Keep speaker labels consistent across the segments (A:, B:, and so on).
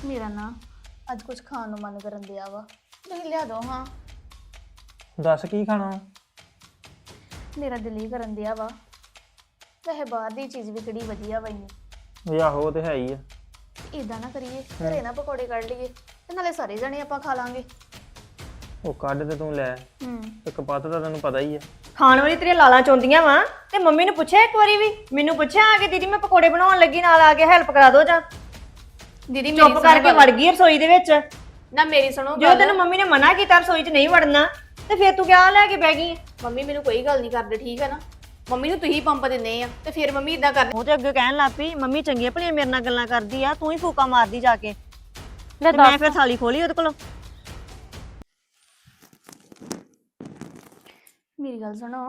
A: ਮੇਰਾ ਨਾ ਅੱਜ ਕੁਝ ਖਾਣ ਨੂੰ ਮਨ ਕਰਨ ਦਿਆ ਵਾ। ਤੁਸੀਂ ਲਿਆ ਦੋ ਹਾਂ।
B: ਦੱਸ ਕੀ ਖਾਣਾ ਵਾ?
A: ਮੇਰਾ ਦਿਲ ਹੀ ਕਰਨ ਦਿਆ ਵਾ। ਵੈਸੇ ਬਾਹਰ ਦੀ ਚੀਜ਼ ਵੀ ਕਿਹੜੀ ਵਧੀਆ ਵਾ ਇੰਨੀ।
B: ਵੀ ਆਹੋ ਉਹ ਤੇ ਹੈ ਹੀ ਆ।
A: ਇਦਾਂ ਨਾ ਕਰੀਏ, ਘਰੇ ਨਾ ਪਕੌੜੇ ਕੱਢ ਲਈਏ ਤੇ ਨਾਲੇ ਸਾਰੇ ਜਣੇ ਆਪਾਂ ਖਾ ਲਾਂਗੇ।
B: ਉਹ ਕੱਢ ਤੇ ਤੂੰ ਲੈ, ਇੱਕ ਪੱਤ ਦਾ ਤੈਨੂੰ ਪਤਾ ਹੀ ਆ।
C: ਖਾਣ ਵਾਲੀ ਤੇਰੀਆਂ ਲਾਲਾਂ ਚੋਂਦੀਆਂ ਵਾ ਤੇ ਮੰਮੀ ਨੂੰ ਪੁੱਛਿਆ ਇੱਕ ਵਾਰੀ ਵੀ? ਮੈਨੂੰ ਪੁੱਛਿਆ ਆ ਕੇ ਦੀਦੀ ਮੈਂ ਪਕੌੜੇ ਬਣਾਉਣ ਲੱਗੀ, ਨਾਲ ਆ ਕੇ ਹੈਲਪ ਕਰਾ ਦੋ ਜਾਂ
A: ਦੀਦੀ
C: ਚੁੱਪ ਕਰਕੇ ਵੜ ਗਈ ਰਸੋਈ ਦੇ ਵਿੱਚ।
A: ਨਾ ਮੇਰੀ ਸੁਣੋ
C: ਜਦੋਂ ਤੈਨੂੰ ਮੰਮੀ ਨੇ ਮਨਾ ਕੀਤਾ ਰਸੋਈ 'ਚ ਨਹੀਂ ਵੜਨਾ ਤੇ ਫਿਰ ਤੂੰ ਕਿਆ ਲੈ ਕੇ ਬਹਿ ਗਈ?
A: ਮੰਮੀ ਮੈਨੂੰ ਕੋਈ ਗੱਲ ਨਹੀਂ ਕਰਦੇ, ਠੀਕ ਹੈ ਨਾ। ਮੰਮੀ ਨੂੰ ਤੁਸੀਂ ਪੰਪ ਦਿੰਦੇ ਆ ਤੇ ਫਿਰ ਮੰਮੀ ਇਦਾਂ ਕਰਦੇ।
C: ਉਹ ਤੇ ਅੱਗੇ ਕਹਿਣ ਲੱਗ ਪਈ ਮੰਮੀ ਚੰਗੀਆਂ ਭਲੀਆਂ ਮੇਰੇ ਨਾਲ ਗੱਲਾਂ ਕਰਦੀ ਆ, ਤੂੰ ਹੀ ਫੂਕਾ ਮਾਰਦੀ ਜਾ ਕੇ। ਮੈਂ ਫਿਰ ਥਾਲੀ ਖੋਲੀ ਉਹਦੇ ਕੋਲੋਂ।
A: ਮੇਰੀ ਗੱਲ ਸੁਣੋ।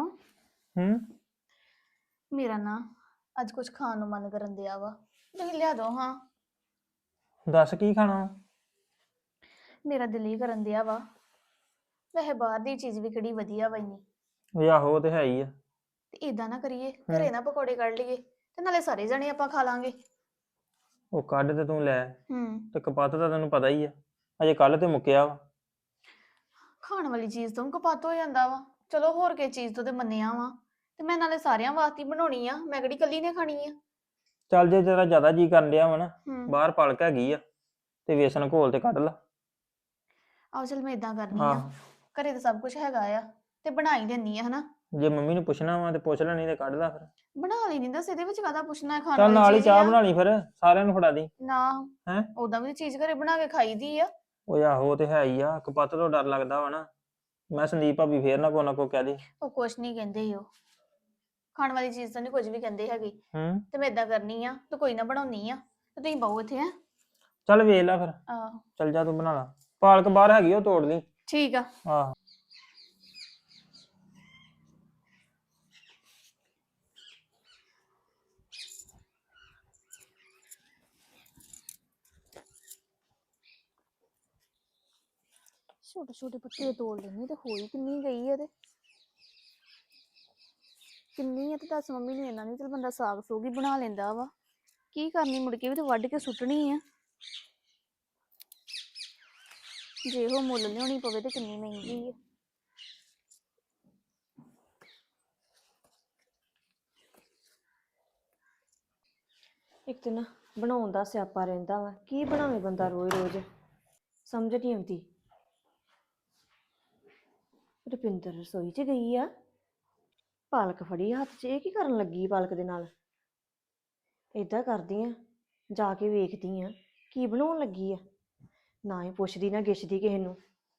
A: ਮੇਰਾ ਨਾ ਅੱਜ ਕੁਝ ਖਾਣ ਨੂੰ ਮਨ ਕਰਨ ਦਿਆ ਵਾ। ਤੁਸੀਂ ਲਿਆ ਦੋ ਹਾਂ।
B: ਦੱਸ ਕੀ ਖਾਣਾ ਵਾ?
A: ਮੇਰਾ ਦਿਲ ਹੀ ਕਰਨ ਦਿਆ ਵਾ। ਵੈਸੇ ਬਾਹਰ ਦੀ ਚੀਜ਼ ਵੀ ਕਿਹੜੀ ਵਧੀਆ ਵਾ ਇੰਨੀ।
B: ਵੀ ਆਹੋ ਉਹ ਤੇ ਹੈ ਹੀ ਆ।
A: ਤੇ ਇਦਾਂ ਨਾ ਕਰੀਏ, ਘਰੇ ਨਾ ਪਕੌੜੇ ਕੱਢ ਲਈਏ ਤੇ ਨਾਲੇ ਸਾਰੇ ਜਣੇ ਆਪਾਂ ਖਾ ਲਾਂਗੇ।
B: ਉਹ ਕੱਢ ਤੇ ਤੂੰ ਲੈ, ਤੇ ਇੱਕ ਪੱਤ ਦਾ ਤੈਨੂੰ ਪਤਾ ਹੀ ਆ। ਅਜੇ ਕੱਲ ਤੇ ਮੁੱਕਿਆ ਵਾ।
A: ਖਾਣ ਵਾਲੀ ਚੀਜ਼ ਤੋਂ ਕਪੱਤ ਹੋ ਜਾਂਦਾ ਵਾ। ਚਲੋ ਹੋਰ ਕਿਸੇ ਚੀਜ਼ ਤੋਂ ਤੇ ਮੰਨਿਆ ਵਾ, ਤੇ ਮੈਂ ਨਾਲੇ ਸਾਰਿਆਂ ਵਾਸਤੇ ਹੀ ਬਣਾਉਣੀ ਆ, ਮੈਂ ਕਿਹੜੀ ਕੱਲੀ ਨੇ ਖਾਣੀ ਆ।
B: ਚੱਲ ਜੇ ਤੇਰਾ ਜ਼ਿਆਦਾ ਜੀ ਕਰਨ ਡਿਆ ਵਾ ਨਾ, ਬਾਹਰ ਪਲਕ ਹੈਗੀ ਆ ਤੇ ਵੇਸਣ ਘੋਲ ਤੇ ਕੱਢ ਲਾ।
A: ਆਹ ਚਲ ਮੈਂ ਇਦਾਂ ਕਰਨੀ ਆ, ਘਰੇ ਤਾਂ ਸਭ ਕੁਝ ਹੈਗਾ ਆ ਤੇ ਬਣਾ ਹੀ ਦਿੰਨੀ ਆ ਹਨਾ।
B: ਜੇ ਮੰਮੀ ਨੂੰ ਪੁੱਛਣਾ ਵਾ ਤੇ ਪੁੱਛ ਲੈ, ਨਹੀਂ ਤੇ ਕੱਢ ਲਾ ਫਿਰ।
A: ਬਣਾ ਲਈ ਨਹੀਂ ਦੱਸ, ਇਹਦੇ ਵਿੱਚ ਕਾਹਦਾ ਪੁੱਛਣਾ ਹੈ? ਖਾਣ
B: ਚੱਲ ਨਾਲ
A: ਵਾਲੀ
B: ਹੀ
A: ਚੀਜ਼
B: ਚਾਹ
A: ਆ
B: ਬਣਾ ਲਈ ਫਿਰ, ਸਾਰਿਆਂ ਨੂੰ ਫੜਾ ਦੀ।
A: ਨਾ
B: ਹੈ
A: ਉਦਾਂ ਵੀ ਚੀਜ਼ ਘਰੇ ਬਣਾ ਕੇ ਖਾਈਦੀ ਆ।
B: ਉਹ ਆਹੋ ਉਹ ਤੇ ਹੈ ਹੀ ਆ। ਕਪੱਤ ਤੋਂ ਡਰ ਲੱਗਦਾ ਵਾ ਨਾ। ਮੈਂ ਸੰਦੀਪ ਭਾਬੀ ਫੇਰ ਨਾ ਕੋ ਕਹਿ ਦੇ।
A: ਉਹ ਕੁਛ ਨਹੀਂ ਕਹਿੰਦੇ ਉਹ, ਖਾਣ ਵਾਲੀ ਚੀਜ਼ ਤਾਂ ਨਹੀਂ ਕੁਝ ਵੀ ਕਹਿੰਦੇ ਹੈਗੇ। ਤੇ ਮੈਂ ਇਦਾਂ ਕਰਨੀ ਆ, ਤੇ ਕੋਈ ਨਾ ਬਣਾਉਣੀ ਆ ਤੇ ਤੁਸੀਂ ਬਹੁ ਇੱਥੇ ਹੈ।
B: ਚੱਲ ਵੇਖ ਲੈ ਫਿਰ।
A: ਆਹੋ
B: ਚੱਲ ਜਾ ਤੂੰ ਬਣਾ ਲਾ। ਪਾਲਕ ਬਾਹਰ ਹੈਗੀ ਉਹ ਤੋੜ ਲਈ।
A: ਠੀਕ ਆ।
B: ਆਹੋ
A: ਛੋਟੇ ਛੋਟੇ ਪੱਤੇ ਤੋੜ ਲੈਣੇ ਤੇ ਹੋਈ ਕਿੰਨੀ ਗਈ ਆ। ਤੇ ਕਿੰਨੀ ਆ ਤੇ ਦੱਸ ਮੰਮੀ ਨੂੰ ਇਹਨਾਂ ਨਹੀਂ, ਚਲ ਬੰਦਾ ਸਾਗ ਸੂਗ ਹੀ ਬਣਾ ਲੈਂਦਾ ਵਾ। ਕੀ ਕਰਨੀ ਮੁੜ ਕੇ ਵੀ ਤੇ ਵੱਢ ਕੇ ਸੁੱਟਣੀ ਆ। ਜੇ ਉਹ ਮੁੱਲ ਲਿਆਉਣੀ ਪਵੇ ਤੇ ਕਿੰਨੀ ਮਹਿੰਗੀ ਆ।
C: ਇੱਕ ਤੇ ਨਾ ਬਣਾਉਣ ਦਾ ਸਿਆਪਾ ਰਹਿੰਦਾ ਵਾ, ਕੀ ਬਣਾਵੇ ਬੰਦਾ ਰੋਜ਼ ਰੋਜ਼, ਸਮਝ ਨਹੀਂ ਆਉਂਦੀ। ਰੁਪਿੰਦਰ ਰਸੋਈ 'ਚ ਗਈ ਆ, ਪਾਲਕ ਫੜੀ ਹੱਥ 'ਚ, ਇਹ ਕੀ ਕਰਨ ਲੱਗੀ ਪਾਲਕ ਦੇ ਨਾਲ? ਏਦਾਂ ਕਰਦੀ ਆ, ਜਾ ਕੇ ਵੇਖਦੀ ਆ ਕੀ ਬਣਾਉਣ ਲੱਗੀ ਆ। ਨਾ ਹੀ ਪੁੱਛਦੀ ਨਾ ਗਿੱਛਦੀ ਕਿਸੇ ਨੂੰ।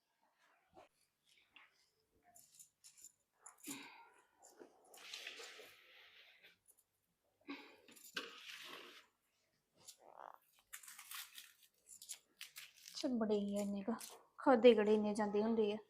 A: ਚਲ ਬੜੇ ਹੀ ਆ ਇੰਨੇ ਕਾ, ਖਾਦੇ ਗੜੇ ਇੰਨੇ ਜਾਂਦੇ ਹੁੰਦੇ ਆ।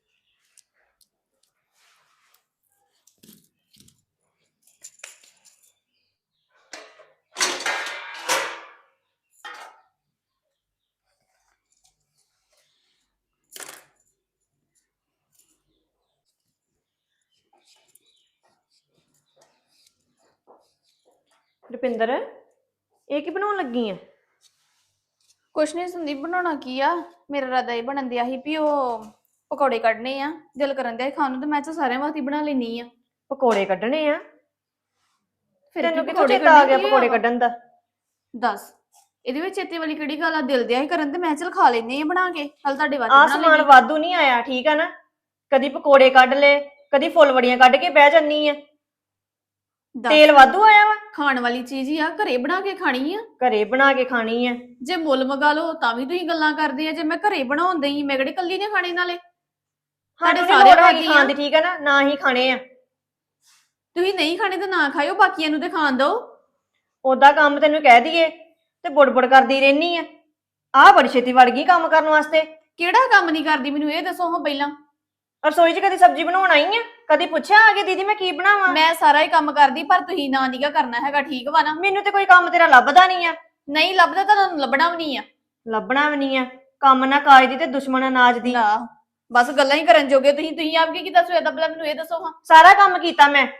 C: ਰੁਪਿੰਦਰ ਇਹ ਕੀ ਬਣਾਉਣ ਲੱਗੀ ਆ?
A: ਕੁਛ ਨਹੀਂ ਸੰਦੀਪ, ਬਣਾਉਣਾ ਕੀ ਆ, ਮੇਰਾ ਇਰਾਦਾ ਇਹ ਬਣਨ ਦਿਆ ਸੀ ਵੀ ਉਹ ਪਕੌੜੇ ਕੱਢਨੇ ਆ, ਦਿਲ ਕਰਨ ਦਿਆ ਖਾਣ ਨੂੰ, ਤੇ ਮੈਂ ਤਾਂ ਸਾਰਿਆਂ ਵਾਸਤੇ ਬਣਾ ਲੈਣੀ ਆ।
C: ਪਕੌੜੇ ਕੱਢਣੇ ਆ?
A: ਫਿਰ
C: ਤੈਨੂੰ
A: ਕੀ
C: ਕਿੱਥੋਂ
A: ਪਕੌੜੇ
C: ਚੇਤਾ ਆ ਗਿਆ
A: ਕੱਢਣੇ
C: ਪਕੌੜੇ ਕੱਢਣ ਦਾ?
A: ਦੱਸ ਇਹਦੇ ਵਿੱਚ ਚੇਤੇ ਵਾਲੀ ਕਿਹੜੀ ਗੱਲ ਆ? ਦਿਲ ਦਿਆ ਹੀ ਕਰਨ ਤੇ ਮੈਂ ਚਲ ਖਾ ਲੈਨੇ ਆ ਬਣਾ ਕੇ, ਹਲ ਤੁਹਾਡੇ ਵਾਸਤੇ
C: ਆ
A: ਬਣਾ
C: ਸਮਾਨ
A: ਲੈਣੀ।
C: ਵਾਧੂ ਨਹੀਂ ਆਇਆ, ਠੀਕ ਆ ਨਾ? ਕਦੀ ਪਕੌੜੇ ਕੱਢ ਲੈ, ਕਦੀ ਫੁੱਲਵੜੀਆਂ ਕੱਢ ਕੇ ਬਹਿ ਜੰਨੀ ਆ। ਤੇਲ ਵਾਧੂ ਆਇਆ ਵਾ?
A: ਖਾਣ ਵਾਲੀ ਚੀਜ਼ ਹੀ ਆ, ਘਰੇ ਬਣਾ ਕੇ ਖਾਣੀ ਆ।
C: ਘਰੇ ਬਣਾ ਕੇ ਖਾਣੀ ਆ?
A: ਜੇ ਮੁੱਲ ਮਗਾ ਲਓ ਤਾਂ ਵੀ ਤੁਸੀਂ ਗੱਲਾਂ ਕਰਦੇ ਆ। ਜੇ ਮੈਂ ਘਰੇ ਬਣਾਉਂਦੇ ਹੀ, ਮੈਂ ਕਿਹੜੀ ਕੱਲੀ ਨੇ ਖਾਣੇ ਨਾਲੇ
C: ਸਾਡੇ
A: ਸਾਡੇ
C: ਸਾਰੇ
A: ਸਾਰੇ
C: ਹੈਗੀ ਖਾਣ ਦੀ, ਠੀਕ ਆ ਨਾ? ਨਾ ਹੀ ਖਾਣੇ ਆ।
A: ਤੁਸੀਂ ਨਹੀਂ ਖਾਣੇ ਤਾਂ ਨਾ ਖਾਇਓ, ਬਾਕੀਆਂ ਨੂੰ ਤੇ ਖਾਣ ਦਿਓ।
C: ਓਦਾਂ ਕੰਮ ਤੈਨੂੰ ਕਹਿ ਦਈਏ ਤੇ ਬੁੜਬੁੜ ਕਰਦੀ ਰਹਿਨੀ ਆ। ਆਹ ਬੜੀ ਛੇਤੀ ਵੜ ਗਈ ਕੰਮ ਕਰਨ ਵਾਸਤੇ।
A: ਕਿਹੜਾ ਕੰਮ ਨਹੀਂ ਕਰਦੀ ਮੈਨੂੰ ਇਹ ਦੱਸੋ ਹਾਂ ਪਹਿਲਾਂ।
C: ਰਸੋਈ 'ਚ ਕਦੀ ਸਬਜ਼ੀ ਬਣਾਉਣ ਆਈ ਆ? ਕਦੀ ਪੁੱਛਿਆ ਆ ਕੇ ਦੀਦੀ ਮੈਂ ਕੀ ਬਣਾਵਾਂ?
A: ਮੈਂ ਸਾਰਾ ਹੀ ਕੰਮ ਕਰਦੀ, ਪਰ ਤੁਸੀਂ ਨਾ ਨੀਗਾ ਕਰਨਾ ਹੈਗਾ, ਠੀਕ ਵਾ ਨਾ?
C: ਮੈਨੂੰ ਤੇ ਕੋਈ ਕੰਮ ਤੇਰਾ ਲੱਭਦਾ ਨਹੀਂ ਆ।
A: ਨਹੀਂ ਲੱਭਦਾ ਤਾਂ ਤੁਹਾਨੂੰ ਲੱਭਣਾ ਵੀ ਨਹੀਂ ਆ।
C: ਲੱਭਣਾ ਵੀ ਨਹੀਂ ਆ? ਕੰਮ ਨਾ ਕਾਜ ਦੀ ਤੇ ਦੁਸ਼ਮਣ ਅਨਾਜ ਦੀ।
A: ਨਾ ਬਸ ਗੱਲਾਂ ਹੀ ਕਰਨ ਜੋਗੇ ਤੁਸੀਂ ਆਪ ਕੀ ਕੀਤਾ ਸਵੇਰ ਦਾ, ਪਹਿਲਾਂ ਮੈਨੂੰ ਇਹ ਦੱਸੋ ਹਾਂ।
C: ਸਾਰਾ ਕੰਮ ਕੀਤਾ ਮੈਂ,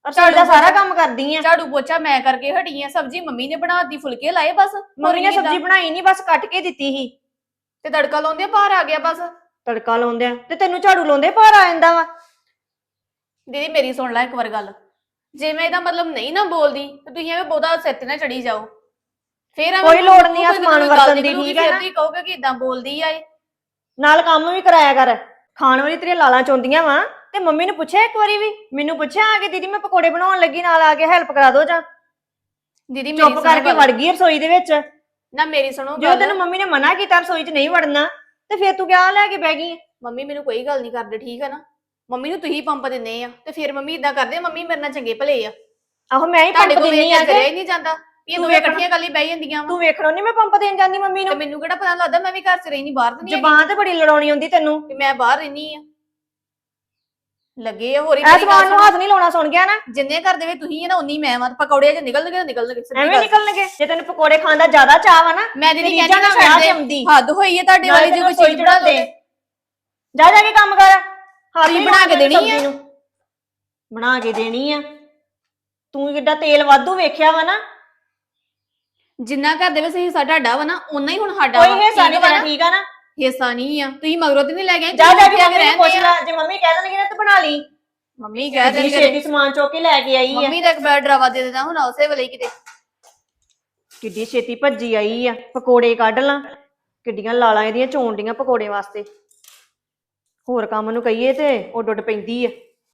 C: ਰਸੋਈ ਦਾ ਸਾਰਾ ਕੰਮ ਕਰਦੀ ਆ।
A: ਝਾੜੂ ਪੋਚਾ ਮੈਂ ਕਰਕੇ ਹਟੀ ਆ, ਸਬਜ਼ੀ ਮੰਮੀ ਨੇ ਬਣਾਤੀ, ਫੁਲਕੇ ਲਾਏ ਬਸ।
C: ਮੰਮੀ ਨੇ ਸਬਜ਼ੀ ਬਣਾਈ ਨਹੀਂ, ਬਸ ਕੱਟ ਕੇ ਦਿੱਤੀ ਸੀ
A: ਤੇ ਤੜਕਾ ਲਾਉਂਦੇ ਬਾਹਰ ਆ ਗਿਆ ਬਸ।
C: ਤੜਕਾ ਲਾਉਂਦੇ ਆ ਤੇ ਤੈਨੂੰ ਝਾੜੂ ਲਾਉਂਦੇ ਭਾਰ ਆ ਜਾਂਦਾ ਵਾ।
A: ਦੀਦੀ ਮੇਰੀ ਸੁਣ ਲੈ ਇੱਕ ਵਾਰ ਗੱਲ, ਜੇ ਮੈਂ ਇਹਦਾ ਮਤਲਬ ਨਹੀਂ ਨਾ ਬੋਲਦੀ ਤੇ ਤੁਸੀਂ ਐਵੇਂ ਬਹੁਤਾ ਸਿਰ ਤੇ ਨਾ ਚੜੀ ਜਾਓ। ਫੇਰ
C: ਕੋਈ ਲੋੜ ਨਹੀਂ ਅਸਮਾਨ ਵਰਤਣ ਦੀ, ਠੀਕ ਹੈ ਨਾ?
A: ਤੁਸੀਂ ਕਹੋਗੇ ਕਿ ਇਦਾਂ ਬੋਲਦੀ ਆ ਇਹ।
C: ਨਾਲ ਕੰਮ ਵੀ ਕਰਾਇਆ ਕਰ। ਖਾਣ ਵਾਲੀ ਤੇਰੀਆਂ ਲਾਲਾਂ ਚੋਂਦੀਆਂ ਵਾ ਤੇ ਮੰਮੀ ਨੂੰ ਪੁੱਛਿਆ ਇੱਕ ਵਾਰੀ ਵੀ? ਮੈਨੂੰ ਪੁੱਛਿਆ ਆ ਕੇ ਦੀਦੀ ਮੈਂ ਪਕੌੜੇ ਬਣਾਉਣ ਲੱਗੀ, ਨਾਲ ਆ ਕੇ ਹੈਲਪ ਕਰਾ ਦੋ ਜਾਂ?
A: ਦੀਦੀ ਮੇਰੀ
C: ਚੁੱਪ ਕਰਕੇ ਵੜ ਗਈ ਰਸੋਈ ਦੇ ਵਿੱਚ।
A: ਨਾ ਮੇਰੀ ਸੁਣੋ
C: ਜਦੋਂ ਤੈਨੂੰ ਮੰਮੀ ਨੇ ਮਨਾ ਕੀਤਾ ਰਸੋਈ 'ਚ ਨਹੀਂ ਵੜਨਾ ਤੇ ਫੇਰ ਤੂੰ ਕਿਆ ਲੈ ਕੇ ਬਹਿ ਗਈ?
A: ਮੰਮੀ ਮੈਨੂੰ ਕੋਈ ਗੱਲ ਨਹੀਂ ਕਰਦੇ, ਠੀਕ ਹੈ ਨਾ? ਮੰਮੀ ਨੂੰ ਤੁਸੀਂ ਪੰਪ ਦਿੰਦੇ ਆ ਤੇ ਫਿਰ ਮੰਮੀ ਇਦਾਂ ਕਰਦੇ ਆ, ਮੰਮੀ ਮੇਰੇ ਨਾਲ ਚੰਗੇ ਭਲੇ ਆ।
C: ਆਹੋ ਮੈਂ ਹੀ
A: ਤੁਹਾਡੇ
C: ਪੰਪ
A: ਕੋਲ
C: ਦਿੰਨੀ ਆ
A: ਕਰਿਆ
C: ਕਿ
A: ਹੀ ਨਹੀਂ ਜਾਂਦਾ, ਇਹ
C: ਤੂੰ
A: ਦੋਵੇਂ
C: ਵੇਖਣਾ-
A: ਇਕੱਠੀਆਂ ਗੱਲ ਹੀ ਬਹਿ ਜਾਂਦੀਆਂ ਵਾ।
C: ਤੂੰ ਵੇਖਣੋਂ ਨਹੀਂ ਮੈਂ ਪੰਪ ਦੇਣ ਜਾਂਦੀ ਮੰਮੀ
A: ਤੇ
C: ਨੂੰ?
A: ਮੈਨੂੰ ਕਿਹੜਾ ਪਤਾ ਲੱਗਦਾ, ਮੈਂ ਵੀ ਘਰ 'ਚ ਰਹਿਣੀ, ਬਾਹਰ ਤੇ ਨਹੀਂ
C: ਜ਼ਬਾਨ ਤੇ ਬੜੀ ਲੜਾਉਣੀ ਆਉਂਦੀ ਤੈਨੂੰ।
A: ਕਿ ਮੈਂ ਬਾਹਰ ਰਹਿਣੀ ਆ। ਲੱਗੇ ਆ ਹੋਰ ਹੀ
C: ਐ ਜ਼ਬਾਨ ਨੂੰ ਹੱਥ ਨਹੀਂ ਲਾਉਣਾ, ਸੁਣ ਗਿਆ ਨਾ?
A: ਜਿੰਨੇ ਘਰ ਦੇ ਵਿੱਚ ਤੁਸੀਂ ਆ ਨਾ ਉਨੀ ਮੈਂ ਵਾਂ। ਪਕੌੜੇ ਜੇ ਨਿਕਲਣਗੇ ਤਾਂ ਨਿਕਲਣਗੇ, ਸਿੱਧੀ
C: ਐਵੇਂ
A: ਗੱਲ।
C: ਨਿਕਲਣਗੇ? ਜੇ ਤੈਨੂੰ ਪਕੌੜੇ ਖਾਣ ਦਾ ਜ਼ਿਆਦਾ ਚਾਹ ਵਾ ਨਾ
A: ਮੈਂ ਦੀਦੀ
C: ਤੇ
A: ਕਹਿੰਦੀ ਨਾ
C: ਵਿਆਹ
A: ਛੱਡ
C: ਤੇ
A: ਦੇ,
C: ਆਉਂਦੀ।
A: ਹੱਦ ਹੋਈ ਹੈ ਤੁਹਾਡੇ ਵਾਲੀ। ਜੇ ਕੋਈ ਚੀਜ਼ ਬਣਾ ਦੇ
C: ਜਾ ਜਾ ਕੇ ਕੰਮ ਕਰ। ਹੱਥ
A: ਤੁਸੀਂ
C: ਹੀ
A: ਬਣਾ ਕੇ ਦੇਣੀ
C: ਸਬਜ਼ੀ
A: ਆ?
C: ਨੂੰ। ਬਣਾ ਕੇ ਦੇਣੀ ਆ। ਤੂੰ ਕਿੱਡਾ ਤੇਲ ਵਾਧੂ ਵੇਖਿਆ ਵਾ ਨਾ।
A: ਜਿੰਨਾ ਘਰ ਦੇ ਵਿੱਚ ਹਿੱਸਾ ਤੁਹਾਡਾ ਵਾ ਨਾ, ਓਨਾ ਹੀ ਹੁਣ ਸਾਡਾ
C: ਕੋਈ ਹਿੱਸਾ ਨਹੀਂ ਤੇਰਾ, ਠੀਕ ਆ ਨਾ?
A: ਹਿੱਸਾ ਨਹੀਂ ਆ, ਤੁਸੀਂ ਮਗਰੋਂ ਤੇ ਨਹੀਂ ਲੈ ਗਏ।
C: ਜਾ ਜਾ ਕੇ ਮੰਮੀ ਨੂੰ ਪੁੱਛ ਲੈ, ਜੇ ਮੰਮੀ ਕਹਿ ਦੇਣਗੇ ਨਾ ਤੇ ਬਣਾ ਲਈ।
A: ਮੰਮੀ ਕਹਿ
C: ਕਿੱਡੀ
A: ਦੇਣਗੇ,
C: ਛੇਤੀ ਸਮਾਨ ਚੁੱਕ ਕੇ ਲੈ ਕੇ ਆਈ ਆ।
A: ਮੰਮੀ ਦਾ ਇੱਕ ਬੈਡ ਡਰਾਵਾ ਦੇ ਦੇਣਾ ਹੁਣ ਉਸੇ ਵੇਲੇ ਕਿਤੇ।
C: ਕਿੱਡੀ ਛੇਤੀ ਭੱਜੀ ਆਈ ਆ। ਪਕੌੜੇ ਕੱਢ ਲਾਂ, ਕਿੱਡੀਆਂ ਲਾਲਾਂ ਇਹਦੀਆਂ ਚੋਣ ਡੀਆਂ ਪਕੌੜੇ ਵਾਸਤੇ। ਹੋਰ ਕੰਮ ਨੂੰ ਕਹੀਏ ਤੇ ਉੱਡ ਉੱਡ ਪੈਂਦੀ ਆ।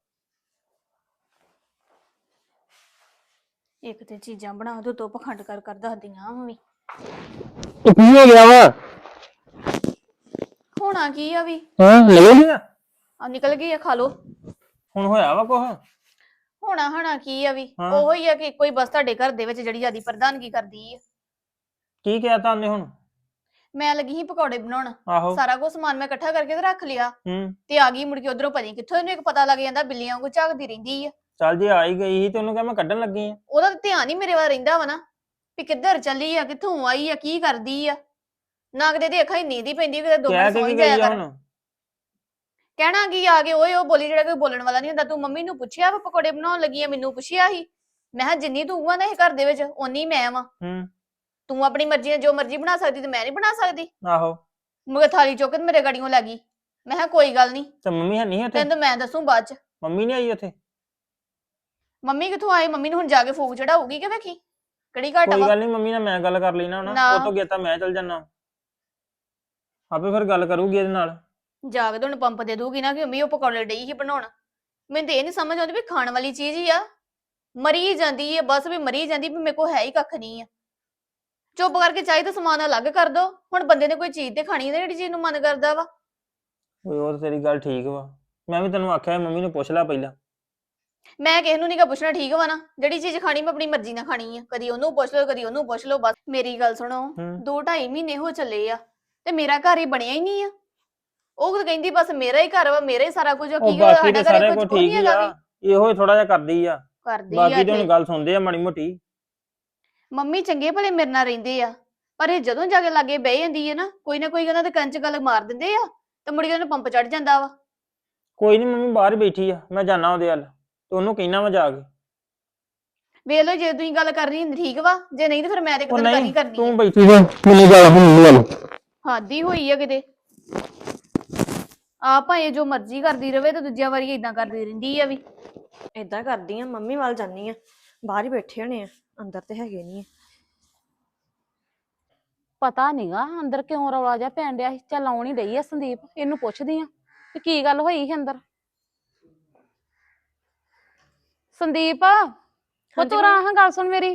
A: ਇੱਕ ਤੇ ਚੀਜ਼ਾਂ ਬਣਾ ਦੋ, ਤੋਂ ਪਖੰਡ ਕਰ ਦੱਸਦੀਆਂ ਮੰਮੀ।
B: ਕੀ ਹੋ ਗਿਆ ਵਾ?
A: ਹੋਣਾ ਕੀ ਆ ਵੀ,
B: ਹਾਂ ਲੈ ਲਿਆ।
A: ਆ ਨਿਕਲ ਗਈ ਆ, ਖਾ ਲੋ।
B: ਹੁਣ ਹੋਇਆ ਵਾ ਕੁਛ?
A: ਹੋਣਾ ਕੀ ਆ ਵੀ,
B: ਹਾਂ।
A: ਉਹੋ ਹੀ ਆ ਕਿ ਕੋਈ ਬਸ ਤੁਹਾਡੇ ਘਰ ਦੇ ਵਿੱਚ ਜਿਹੜੀ ਜਿਆਦੀ ਪ੍ਰਧਾਨਗੀ ਕਰਦੀ ਆ।
B: ਕੀ ਕਿਹਾ ਤਾਂ ਉਹਨੇ ਹੁਣ?
A: ਮੈਂ ਲੱਗੀ ਸੀ ਪਕੌੜੇ ਬਣਾਉਣ,
B: ਆਹੋ।
A: ਸਾਰਾ ਕੁਝ ਸਮਾਨ ਮੈਂ ਇਕੱਠਾ ਕਰਕੇ ਤੇ ਰੱਖ ਲਿਆ
B: ਹੂੰ।
A: ਤੇ ਆ ਗਈ ਮੁੜ ਕੇ ਉਧਰੋਂ, ਪਤਾ ਨੀ ਕਿੱਥੋਂ ਇਹਨੂੰ ਇੱਕ ਪਤਾ ਲੱਗ ਜਾਂਦਾ, ਬਿੱਲੀਆਂ ਵਾਂਗੂ ਝਾਕਦੀ ਰਹਿੰਦੀ ਆ।
B: ਚੱਲ ਜੇ ਆ ਹੀ ਗਈ ਸੀ ਤੇ ਉਹਨੂੰ ਕਿਹਾ ਮੈਂ ਕੱਢਣ ਲੱਗੀ ਆ।
A: ਉਹਦਾ ਤਾਂ ਧਿਆਨ ਹੀ ਮੇਰੇ ਵੱਲ ਰਹਿੰਦਾ ਵਾ ਨਾ, ਵੀ ਕਿੱਧਰ ਚੱਲੀ ਆ, ਕਿੱਥੋਂ ਆਈ ਆ, ਕੀ ਕਰਦੀ ਆ। ਨਾ ਕਿਤੇ ਦੀ ਅੱਖਾਂ ਹੀ ਨੀਂਦ ਹੀ ਪੈਂਦੀ, ਕਿਤੇ 2
B: ਕਹਿ
A: ਮਿੰਟ
B: ਕੇ
A: ਸੌਂ ਹੀ
B: ਕੀ
A: ਜਾਇਆ
B: ਗਈ ਆ
A: ਕਰ।
B: ਹੁਣ?
A: ਕਹਿਣਾ ਕੀ ਆ ਕੇ ਓਏ ਉਹ ਬੋਲੀ, ਜਿਹੜਾ ਕੋਈ ਬੋਲਣ ਵਾਲਾ ਨਹੀਂ ਹੁੰਦਾ। ਤੂੰ ਮੰਮੀ ਨੂੰ ਪੁੱਛਿਆ ਵਾ ਪਕੌੜੇ ਬਣਾਉਣ ਲੱਗੀ ਆ? ਮੈਨੂੰ ਪੁੱਛਿਆ ਸੀ। ਮੈਂ ਕਿਹਾ ਜਿੰਨੀ ਤੂੰ ਆ ਨਾ ਇਹ ਘਰ ਦੇ ਵਿੱਚ, ਓਨੀ ਮੈਂ ਵਾ।
B: ਹੂੰ।
A: ਤੂੰ ਆਪਣੀ ਮਰਜ਼ੀ ਨਾਲ ਜੋ ਮਰਜ਼ੀ ਬਣਾ ਸਕਦੀ ਤੇ ਮੈਂ ਨਹੀਂ ਬਣਾ ਸਕਦੀ?
B: ਆਹੋ।
A: ਮਗਰ ਥਾਲੀ ਚੁੱਕ ਕੇ ਮੇਰੇ ਗੜੀਆਂ ਲੱਗੀ। ਮੈਂ ਕਿਹਾ ਕੋਈ ਗੱਲ ਨਹੀਂ,
B: ਤੇ ਮੰਮੀ ਹੈ ਨਹੀਂ ਉੱਥੇ?
A: ਤੈਨੂੰ ਤਾਂ ਮੈਂ ਦੱਸੂ ਬਾਅਦ ਚ।
B: ਮੰਮੀ ਨਹੀਂ ਆਈ ਉੱਥੇ?
A: ਮੰਮੀ ਕਿੱਥੋਂ ਆਏ? ਮੰਮੀ ਨੂੰ ਹੁਣ ਜਾ ਕੇ ਫੂਕ ਚੜਾਉਗੀ ਕਿ ਵੇਖੀ ਕਿਹੜੀ ਘਟ
B: ਕੋਈ
A: ਵਾ।
B: ਗੱਲ ਨਹੀਂ, ਮੰਮੀ ਨਾਲ ਮੈਂ ਗੱਲ ਕਰ ਲਈ ਨਾ ਹੁਣ।
A: ਨਾ।
B: ਉਹ ਤੋਂ ਗਿਆ ਤਾਂ ਮੈਂ ਚੱਲ ਜਾਣਾ, ਆਪੇ ਫਿਰ ਗੱਲ ਕਰੂਗੀ ਇਹਦੇ ਨਾਲ।
A: ਜਾ ਕੇ ਤੁਹਾਨੂੰ ਪੰਪ ਦੇ ਦੂਗੀ ਨਾ ਕਿ ਮੰਮੀ ਉਹ ਪਕੌੜੇ ਡਈ ਹੀ ਬਣਾਉਣ। ਮੈਨੂੰ ਤੇ ਇਹ ਨਹੀਂ ਸਮਝ ਆਉਂਦੀ ਵੀ ਖਾਣ ਵਾਲੀ ਚੀਜ਼ ਹੀ ਆ, ਮਰੀ ਜਾਂਦੀ ਹੈ ਬਸ, ਵੀ ਮਰੀ ਜਾਂਦੀ, ਵੀ ਮੇਰੇ ਕੋਲ ਹੈ ਹੀ ਕੱਖ ਨਹੀਂ ਆ। ਚੁੱਪ ਕਰਕੇ ਚਾਹੀ ਤਾਂ ਸਮਾਨ ਅਲੱਗ ਕਰ ਦੋ। ਹੁਣ ਬੰਦੇ ਨੇ ਕੋਈ ਚੀਜ਼ ਤੇ ਖਾਣੀ ਹੈ, ਜਿਹੜੀ ਚੀਜ਼ ਨੂੰ ਮਨ ਕਰਦਾ ਵਾ।
B: ਓਏ ਉਹ ਤਾਂ ਤੇਰੀ ਗੱਲ ਠੀਕ ਵਾ, ਮੈਂ ਵੀ ਤੈਨੂੰ ਆਖਿਆ ਮੰਮੀ ਨੂੰ ਪੁੱਛ ਲੈ ਪਹਿਲਾਂ।
A: ਮੈਂ ਕਿਸੇ ਨੂੰ ਨਹੀਂ ਪੁੱਛਣਾ, ਠੀਕ ਵਾ ਨਾ? ਜਿਹੜੀ ਚੀਜ਼ ਖਾਣੀ ਮੈਂ ਆਪਣੀ ਮਰਜ਼ੀ ਨਾਲ ਖਾਣੀ ਆ। ਕਦੀ ਉਹਨੂੰ ਪੁੱਛ ਲਓ, ਕਦੀ ਉਹਨੂੰ ਪੁੱਛ ਲਓ। ਬਸ ਮੇਰੀ ਗੱਲ ਸੁਣੋ, 2-2.5 ਮਹੀਨੇ ਹੋ ਚੱਲੇ ਆ ਤੇ ਮੇਰਾ ਘਰ ਹੀ ਬਣਿਆ ਹੀ ਨਹੀਂ ਆ। ਉਹ ਤਾਂ ਕਹਿੰਦੀ ਬਸ ਮੇਰਾ ਹੀ ਘਰ ਵਾ, ਮੇਰਾ ਹੀ ਸਾਰਾ ਕੁਝ।
B: ਉਹ ਬਾਕੀ ਤੇ ਸਾਰੇ ਕੁਝ ਠੀਕ ਹੀ ਆ, ਇਹੋ ਹੀ ਥੋੜਾ ਜਿਹਾ ਕਰਦੀ ਆ। ਬਾਕੀ ਤੇ ਹੁਣ ਗੱਲ ਸੁਣਦੇ ਆ ਮਾੜੀ ਮੋਟੀ।
A: ਮੰਮੀ ਚੰਗੇ ਭਲੇ ਮੇਰੇ ਨਾਲ ਰਹਿੰਦੇ ਆ, ਪਰ ਇਹ ਜਦੋਂ ਜਾ ਕੇ ਲਾਗੇ ਬਹਿ ਜਾਂਦੀ ਹੈ ਨਾ, ਕੋਈ ਨਾ ਕੋਈ ਉਹਨਾਂ ਦੇ ਕੰਨ 'ਚ ਗੱਲ ਮਾਰ ਦਿੰਦੇ ਆ ਤੇ ਮੁੜ ਕੇ ਉਹਨੂੰ ਪੰਪ ਚੜ ਜਾਂਦਾ ਵਾ।
B: ਕੋਈ ਨਹੀਂ, ਮੰਮੀ ਬਾਹਰ ਬੈਠੀ ਆ, ਮੈਂ ਜਾਣਾ ਉਹਦੇ ਵੱਲ ਤੇ ਉਹਨੂੰ ਕਹਿਣਾ ਵਾ ਜਾ ਕੇ।
A: ਵੇਖ ਲਓ, ਜੇ ਤੁਸੀਂ ਗੱਲ ਕਰਨੀ ਹੁੰਦੀ ਠੀਕ ਵਾ, ਜੇ ਨਹੀਂ ਤੇ ਫਿਰ ਮੈਂ ਤੇ ਇੱਕ ਦਿਨ ਕਰਨੀ ਕਰਨੀ
B: ਤੂੰ ਬੈਠੀ ਜਾ, ਮੈਨੂੰ ਜਾ ਮੰਮੀ ਵੱਲ।
A: ਹਾਦੀ ਹੋਈ ਆ ਕਿਤੇ। ਆ ਭਾਵੇਂ ਜੋ ਮਰਜ਼ੀ ਕਰਦੀ ਰਵੇ ਤੇ ਦੂਜਿਆਂ ਵਾਰੀ ਇਦਾਂ ਕਰਦੀ ਰਹਿੰਦੀ ਆ ਵੀ।
C: ਏਦਾਂ ਕਰਦੀ ਆ, ਮੰਮੀ ਵੱਲ ਜਾਂਦੀ ਆ। ਬਾਹਰ ਹੀ ਬੈਠੇ ਹੋਣੇ ਆ, ਅੰਦਰ ਤੇ ਹੈਗੇ ਨਹੀਂ।
D: ਪਤਾ ਨੀਗਾ ਅੰਦਰ ਕਿਉਂ ਰੌਲਾ ਜਿਹਾ ਪੈਣ ਡਿਆ ਸੀ। ਚੱਲ ਆਉਣ ਹੀ ਡਈ ਆ ਸੰਦੀਪ, ਇਹਨੂੰ ਪੁੱਛਦੀ ਆ ਕਿ ਕੀ ਗੱਲ ਹੋਈ ਸੀ ਅੰਦਰ। ਸੰਦੀਪ ਉਹ ਤੂੰ ਹਾਂ ਗੱਲ ਸੁਣ ਮੇਰੀ।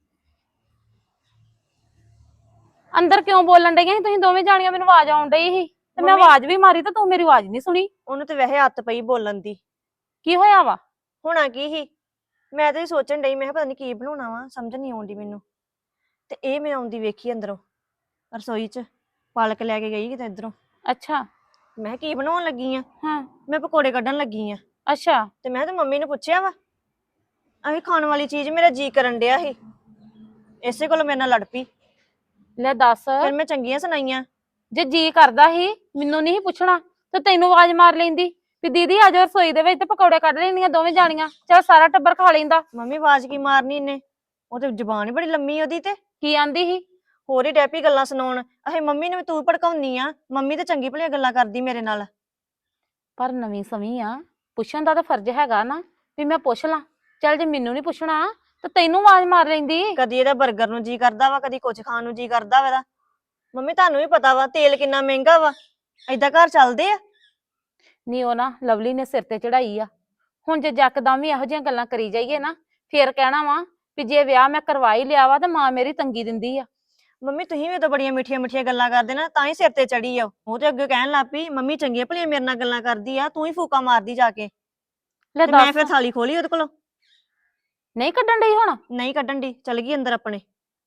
D: ਅੰਦਰ ਕਿਉਂ ਬੋਲਣ ਡਈਆਂ ਸੀ ਤੁਸੀਂ ਦੋਵੇਂ ਜਾਣੀਆਂ? ਮੈਨੂੰ ਆਵਾਜ਼ ਆਉਣ ਡਈ ਸੀ ਤੇ ਮੈਂ ਆਵਾਜ਼ ਵੀ ਮਾਰੀ ਤੇ ਤੂੰ ਮੇਰੀ ਆਵਾਜ਼ ਨਹੀਂ ਸੁਣੀ।
C: ਉਹਨੂੰ ਤੇ ਵੈਸੇ ਹੱਥ ਪਈ ਬੋਲਣ ਦੀ।
D: ਕੀ ਹੋਇਆ ਵਾ?
C: ਹੋਣਾ ਕੀ ਸੀ, ਮੈਂ ਤਾਂ ਸੋਚਣ ਡਈ, ਮੈਂ ਕਿਹਾ ਪਤਾ ਨੀ ਕੀ ਬਣਾਉਣਾ ਵਾ, ਸਮਝ ਨਹੀਂ ਆਉਂਦੀ ਮੈਨੂੰ। ਤੇ ਇਹ ਮੈਂ ਆਉਂਦੀ ਵੇਖੀ ਅੰਦਰੋਂ ਰਸੋਈ 'ਚ, ਪਾਲਕ ਲੈ ਕੇ ਗਈ ਕਿਤੇ ਇੱਧਰੋਂ।
D: ਅੱਛਾ।
C: ਮੈਂ ਕੀ ਬਣਾਉਣ ਲੱਗੀ ਆ?
D: ਹਾਂ।
C: ਮੈਂ ਪਕੌੜੇ ਕੱਢਣ ਲੱਗੀ ਆ।
D: ਅੱਛਾ।
C: ਤੇ ਮੈਂ ਤਾਂ ਮੰਮੀ ਨੂੰ ਪੁੱਛਿਆ ਵਾ, ਆਹੀ ਖਾਣ ਵਾਲੀ ਚੀਜ਼ ਮੇਰਾ ਜੀ ਕਰਨ ਡਿਆ ਸੀ, ਇਸੇ ਕੋਲ ਮੇਰੇ ਨਾਲ ਲੜ ਪਈ।
D: ਲੈ ਦੱਸ,
C: ਫਿਰ ਮੈਂ ਚੰਗੀਆਂ ਸੁਣਾਈਆਂ।
D: ਜੇ ਜੀ ਕਰਦਾ ਸੀ ਮੈਨੂੰ ਨਹੀਂ ਪੁੱਛਣਾ ਤੇ ਤੈਨੂੰ ਆਵਾਜ਼ ਮਾਰ ਲੈਂਦੀ। ਵੀ ਦੀਦੀ ਆ ਜਾਓ ਰਸੋਈ ਦੇ ਵਿੱਚ ਤੇ ਪਕੌੜੇ ਕੱਢ ਲੈਣੀਆਂ ਦੋਵੇਂ ਜਾਣੀਆਂ, ਚਲ ਸਾਰਾ ਟੱਬਰ ਖਾ ਲੈਂਦਾ।
C: ਮੰਮੀ ਆਵਾਜ਼ ਕੀ ਮਾਰਨੀ ਇਹਨੇ? ਉਹ ਤੇ ਜ਼ੁਬਾਨ ਹੀ ਬੜੀ ਲੰਮੀ ਉਹਦੀ ਤੇ।
D: ਕੀ ਆਂਦੀ ਸੀ?
C: ਹੋਰ ਹੀ ਡੈਪੀ ਗੱਲਾਂ ਸੁਣਾਉਣ। ਅਹੇ ਮੰਮੀ ਨੂੰ ਵੀ ਤੂੰ ਭੜਕਾਉਣੀ ਆ, ਮੰਮੀ ਤੇ ਚੰਗੀ ਭਲੀਆਂ ਗੱਲਾਂ ਕਰਦੀ ਮੇਰੇ ਨਾਲ।
D: ਪਰ ਨਵੀਂ ਸਵੀ ਆ, ਪੁੱਛਣ ਦਾ ਤਾਂ ਫਰਜ਼ ਹੈਗਾ ਨਾ ਵੀ ਮੈਂ ਪੁੱਛ ਲਾਂ। ਚੱਲ ਜੇ ਮੈਨੂੰ ਨਹੀਂ ਪੁੱਛਣਾ ਤਾਂ ਤੈਨੂੰ ਆਵਾਜ਼ ਮਾਰ ਲੈਂਦੀ।
C: ਕਦੀ ਇਹਦਾ 버ਗਰ ਨੂੰ ਜੀ ਕਰਦਾ ਵਾ, ਕਦੀ ਕੁਝ ਖਾਣ ਨੂੰ ਜੀ ਕਰਦਾ ਵਾ ਇਹਦਾ। ਮੰਮੀ ਤੁਹਾਨੂੰ ਵੀ ਪਤਾ ਵਾ ਤੇਲ ਕਿੰਨਾ ਮਹਿੰਗਾ ਵਾ, ਏਦਾਂ ਘਰ ਚੱਲਦੇ ਆ?
D: ਨਹੀਂ ਉਹ ਨਾ ਲਵਲੀ ਨੇ ਸਿਰ ਤੇ ਚੜਾਈ ਆ। ਹੁਣ ਜੇ ਜੱਕਦਮ ਵੀ ਇਹੋ ਜਿਹੀਆਂ ਗੱਲਾਂ ਕਰੀ ਜਾਈਏ ਨਾ, ਫੇਰ ਕਹਿਣਾ ਵਾ ਵੀ ਜੇ ਵਿਆਹ ਮੈਂ ਕਰਵਾ ਹੀ ਲਿਆ ਵਾ ਤਾਂ ਮਾਂ ਮੇਰੀ ਤੰਗੀ ਦਿੰਦੀ ਆ।
C: ਮੰਮੀ ਤੁਸੀਂ ਵੀ ਤਾਂ ਬੜੀਆਂ ਮਿੱਠੀਆਂ ਮਿੱਠੀਆਂ ਗੱਲਾਂ ਕਰਦੇ ਨਾ, ਤਾਂ ਹੀ ਸਿਰ ਤੇ ਚੜੀ ਆ। ਉਹ ਤੇ ਅੱਗੇ ਕਹਿਣ ਲੱਗ ਪਈ ਮੰਮੀ ਚੰਗੀਆਂ ਭਲੀਆਂ ਮੇਰੇ ਨਾਲ ਗੱਲਾਂ ਕਰਦੀ ਆ, ਤੂੰ ਹੀ ਫੂਕਾ ਮਾਰਦੀ ਜਾ ਕੇ।
D: ਲੈ
C: ਤੇ ਮੈਂ
D: ਦੱਸ,
C: ਫਿਰ ਥਾਲੀ ਖੋਲੀ ਉਹਦੇ ਕੋਲੋਂ।
D: ਨਹੀਂ ਕੱਢਣ ਡਈ ਹੁਣ?
C: ਨਹੀਂ ਕੱਢਣ ਦੀ, ਚਲ ਗਈ ਅੰਦਰ ਆਪਣੇ।